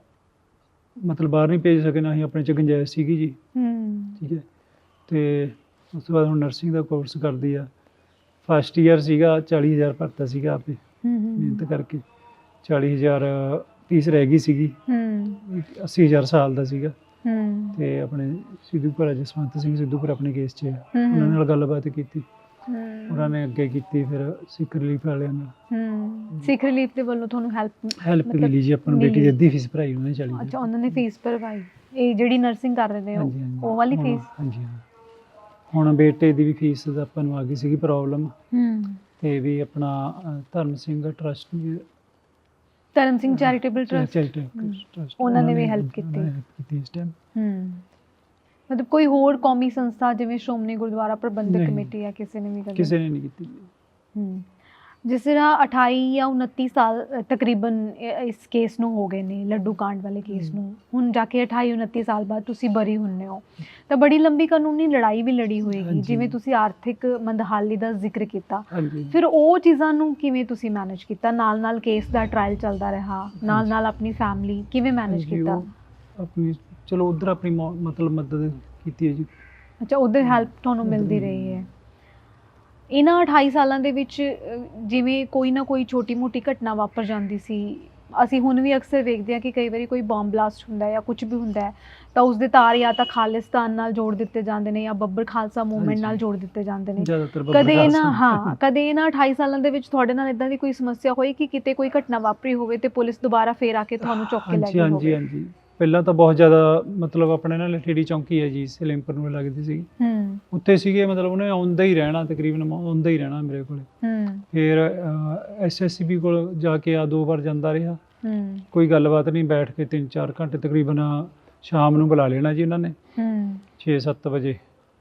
Speaker 2: ਮਤਲਬ ਬਾਹਰ ਨਹੀਂ ਭੇਜ ਸਕੇ, ਨਾ ਹੀ ਆਪਣੇ ਚ ਗੁੰਜਾਇਸ਼ ਸੀਗੀ ਜੀ।
Speaker 1: ਹੂੰ
Speaker 2: ਠੀਕ ਹੈ। ਤੇ ਉਸ ਤੋਂ ਬਾਅਦ ਹੁਣ ਨਰਸਿੰਗ ਦਾ ਕੋਰਸ ਕਰਦੀ ਆ। ਫਸਟ ਈਅਰ ਸੀਗਾ, ਚਾਲੀ ਹਜ਼ਾਰ ਭਰਤਾ ਸੀਗਾ ਆਪੇ
Speaker 1: ਹੂੰ
Speaker 2: ਮਿਹਨਤ ਕਰਕੇ, ਚਾਲੀ ਹਜ਼ਾਰ ਫੀਸ ਰਹਿ ਗਈ ਸੀਗੀ,
Speaker 1: ਹੂੰ
Speaker 2: ਅੱਸੀ ਹਜ਼ਾਰ ਸਾਲ ਦਾ ਸੀਗਾ।
Speaker 1: ਹੂੰ
Speaker 2: ਤੇ ਆਪਣੇ ਸਿੱਧੂਪੁਰ ਜਸਵੰਤ ਸਿੰਘ ਸਿੱਧੂਪੁਰ ਆਪਣੇ ਕੇਸ 'ਚ ਆ।
Speaker 1: ਹਮ।
Speaker 2: ਉਹਨਾਂ ਨਾਲ ਗੱਲਬਾਤ ਕੀਤੀ,
Speaker 1: ਹੂੰ
Speaker 2: ਉਹਨਾਂ ਨੇ ਅੱਗੇ ਕੀਤੀ, ਫਿਰ ਸਿੱਖ ਰਿਲੀਫ ਵਾਲਿਆਂ ਨਾਲ
Speaker 1: ਹੂੰ ਸਿੱਖ ਰਿਲੀਫ ਦੇ ਵੱਲੋਂ ਤੁਹਾਨੂੰ ਹੈਲਪ?
Speaker 2: ਹੈਲਪ ਮਿਲੀ ਜੀ। ਆਪਾਂ ਨੂੰ ਬੇਟੀ ਦੀ ਅੱਧੀ ਫੀਸ ਭਰਾਈ ਉਹਨੇ, ਚਾਲੀ
Speaker 1: ਅੱਛਾ, ਉਹਨਾਂ ਨੇ ਫੀਸ ਭਰਵਾਈ। ਇਹ ਜਿਹੜੀ ਨਰਸਿੰਗ ਕਰ ਰਹੇ ਨੇ ਉਹ
Speaker 2: ਹਾਂਜੀ, ਹਾਂਜੀ।
Speaker 1: ਉਹ ਵਾਲੀ
Speaker 2: ਹੁਣ-
Speaker 1: ਫੀਸ?
Speaker 2: ਹਾਂਜੀ ਹਾਂ। ਹੁਣ ਬੇਟੇ ਦੀ ਵੀ ਫੀਸ ਦਾ ਆਪਾਂ ਨੂੰ ਆ ਗਈ ਸੀਗੀ ਪ੍ਰੋਬਲਮ,
Speaker 1: ਹੂੰ
Speaker 2: ਤੇ ਵੀ ਆਪਣਾ ਅ, ਧਰਮ ਸਿੰਘ ਟਰਸਟ
Speaker 1: ਧਰਮ ਸਿੰਘ ਚੈਰੀਟੇਬਲ ਟਰਸਟ
Speaker 2: ਟਰਸਟ
Speaker 1: ਉਹਨਾਂ ਨੇ ਵੀ help ਕੀਤੀ।
Speaker 2: ਕੀਤੀ ਇਸ ਟਾਈਮ।
Speaker 1: ਹੂੰ ਮਤਲਬ ਕੋਈ ਹੋਰ ਕੌਮੀ ਸੰਸਥਾ ਜਿਵੇਂ ਸ਼੍ਰੋਮਣੀ ਗੁਰਦੁਆਰਾ ਪ੍ਰਬੰਧਕ
Speaker 2: ਨਹੀਂ।
Speaker 1: ਕਮੇਟੀ ਜਾਂ ਕਿਸੇ ਨੇ ਵੀ ਕਦੇ?
Speaker 2: ਕਿਸੇ ਨੇ ਨਹੀਂ ਕੀਤੀ।
Speaker 1: ਹੂੰ ਜਿਸ ਤਰ੍ਹਾਂ ਅਠਾਈ ਜਾਂ ਉਨੱਤੀ ਸਾਲ ਅ, ਤਕਰੀਬਨ ਇ- ਇਸ ਕੇਸ ਨੂੰ ਹੋ ਗਏ ਨੇ, ਲੱਡੂ ਕਾਂਡ ਵਾਲੇ ਕੇਸ
Speaker 2: ਹਮ।
Speaker 1: ਨੂੰ। ਹੁਣ ਜਾ ਕੇ ਅਠਾਈ ਉਨੱਤੀ ਸਾਲ ਬਾਅਦ ਤੁਸੀਂ ਬਰੀ ਹੁੰਨੇ ਹੋ, ਤਾਂ ਬੜੀ ਲੰਬੀ ਕਾਨੂੰਨੀ ਲੜਾਈ ਵੀ ਲੜੀ ਹੋਏਗੀ,
Speaker 2: ਹਾਂਜੀ।
Speaker 1: ਜਿਵੇਂ ਤੁਸੀਂ ਆਰਥਿਕ ਮੰਦਹਾਲੀ ਦਾ ਜ਼ਿਕਰ ਕੀਤਾ।
Speaker 2: ਹਾਂਜੀ।
Speaker 1: ਫਿਰ ਉਹ ਚੀਜ਼ਾਂ ਨੂੰ ਕਿਵੇਂ ਤੁਸੀਂ ਮੈਨੇਜ ਕੀਤਾ? ਨਾਲ ਨਾਲ ਕੇਸ ਦਾ ਟ੍ਰਾਇਲ ਚੱਲਦਾ ਰਿਹਾ, ਨਾਲ ਨਾਲ ਆਪਣੀ ਫੈਮਿਲੀ ਕਿਵੇਂ ਮੈਨੇਜ
Speaker 2: ਹਾਂਜੀ,
Speaker 1: ਕੀਤਾ?
Speaker 2: ਉਹ ਆਪਣੀ ਚਲੋ ਉਧਰ ਆਪਣੀ ਮੌ- ਮਤਲਬ ਮਦਦ ਕੀਤੀ ਹੈ ਜੀ।
Speaker 1: ਅੱਛਾ, ਉਧਰ ਹੈਲਪ ਤੁਹਾਨੂੰ
Speaker 2: ਉੱਧਰ
Speaker 1: ਮਿਲਦੀ
Speaker 2: ਮਿਲੀ।
Speaker 1: ਰਹੀ ਹੈ। ਇਹਨਾਂ ਅਠਾਈ ਸਾਲਾਂ ਦੇ ਵਿੱਚ ਅ, ਜਿਵੇਂ ਕੋਈ ਨਾ ਕੋਈ ਛੋਟੀ ਮੋਟੀ ਘਟਨਾ ਵਾਪਰ ਜਾਂਦੀ ਸੀ, ਅਸੀਂ ਹੁਣ ਵੀ ਅਕਸਰ ਵੇਖਦੇ ਹਾਂ ਕਿ ਕਈ ਵਾਰੀ ਕੋਈ ਬੰਬ ਬਲਾਸਟ ਹੁੰਦਾ ਹੈ ਜਾਂ ਕੁਝ ਵੀ ਹੁੰਦਾ ਹੈ ਤਾਂ ਉਸ ਦੇ ਤਾਰ ਜਾਂ ਤਾਂ ਖਾਲਿਸਤਾਨ ਨਾਲ ਜੋੜ ਦਿੱਤੇ ਜਾਂਦੇ ਨੇ ਜਾਂ ਬੱਬਰ ਖਾਲਸਾ ਮੂਵਮੈਂਟ ਨਾਲ
Speaker 2: ਹਾਂਜੀ।
Speaker 1: ਜੋੜ ਦਿੱਤੇ ਜਾਂਦੇ ਨੇ।
Speaker 2: ਜ਼ਿਆਦਾਤਰ ਬੱਬਰ
Speaker 1: ਕਦੇ ਇਹਨਾਂ
Speaker 2: ਖਾਲਸਾ।
Speaker 1: ਹਾਂ ਕਦੇ ਇਹਨਾਂ ਅਠਾਈ ਸਾਲਾਂ ਦੇ ਵਿੱਚ ਤੁਹਾਡੇ ਨਾਲ ਇਦਾਂ ਦੀ ਕੋਈ ਸਮੱਸਿਆ ਹੋਈ ਕਿ ਕਿਤੇ ਕੋਈ ਘਟਨਾ ਵਾਪਰੀ ਹੋਵੇ ਤੇ ਪੁਲਿਸ ਦੁਬਾਰਾ ਫੇਰ ਆ ਕੇ ਤੁਹਾਨੂੰ ਚੁੱਕ ਕੇ ਲੈ
Speaker 2: ਹਾਂਜੀ
Speaker 1: ਗਈ
Speaker 2: ਹਾਂਜੀ
Speaker 1: ਹੋਵੇ?
Speaker 2: ਹਾਂਜੀ। ਪਹਿਲਾਂ ਤਾਂ ਬਹੁਤ ਜ਼ਿਆਦਾ ਮਤਲਬ ਆਪਣੇ ਨਾਲ ਲਠੇੜੀ ਚੌਂਕੀ ਹੈ ਜੀ, ਸਲੇਮਪੁਰ ਨੂੰ ਲੱਗਦੀ ਸੀ,
Speaker 1: ਹੂੰ
Speaker 2: ਉੱਥੇ ਸੀਗੇ। ਮਤਲਬ ਉਹਨੇ ਆਉਂਦਾ ਹੀ ਰਹਿਣਾ, ਤਕਰੀਬਨ ਆਉਂਦਾ ਹੀ ਰਹਿਣਾ ਮੇਰੇ ਕੋਲੇ।
Speaker 1: ਹੂੰ
Speaker 2: ਫਿਰ ਐਸ ਐਸ ਸੀ ਬੀ ਕੋਲ ਜਾ ਕੇ ਆ ਦੋ ਵਾਰ ਜਾਂਦਾ ਰਿਹਾ,
Speaker 1: ਹੂੰ
Speaker 2: ਕੋਈ ਗੱਲਬਾਤ ਨਹੀਂ, ਬੈਠ ਕੇ ਤਿੰਨ ਚਾਰ ਘੰਟੇ ਤਕਰੀਬਨ ਸ਼ਾਮ ਨੂੰ ਬੁਲਾ ਲੈਣਾ ਜੀ ਉਹਨਾਂ ਨੇ
Speaker 1: ਹੂੰ
Speaker 2: ਛੇ ਸੱਤ ਵਜੇ,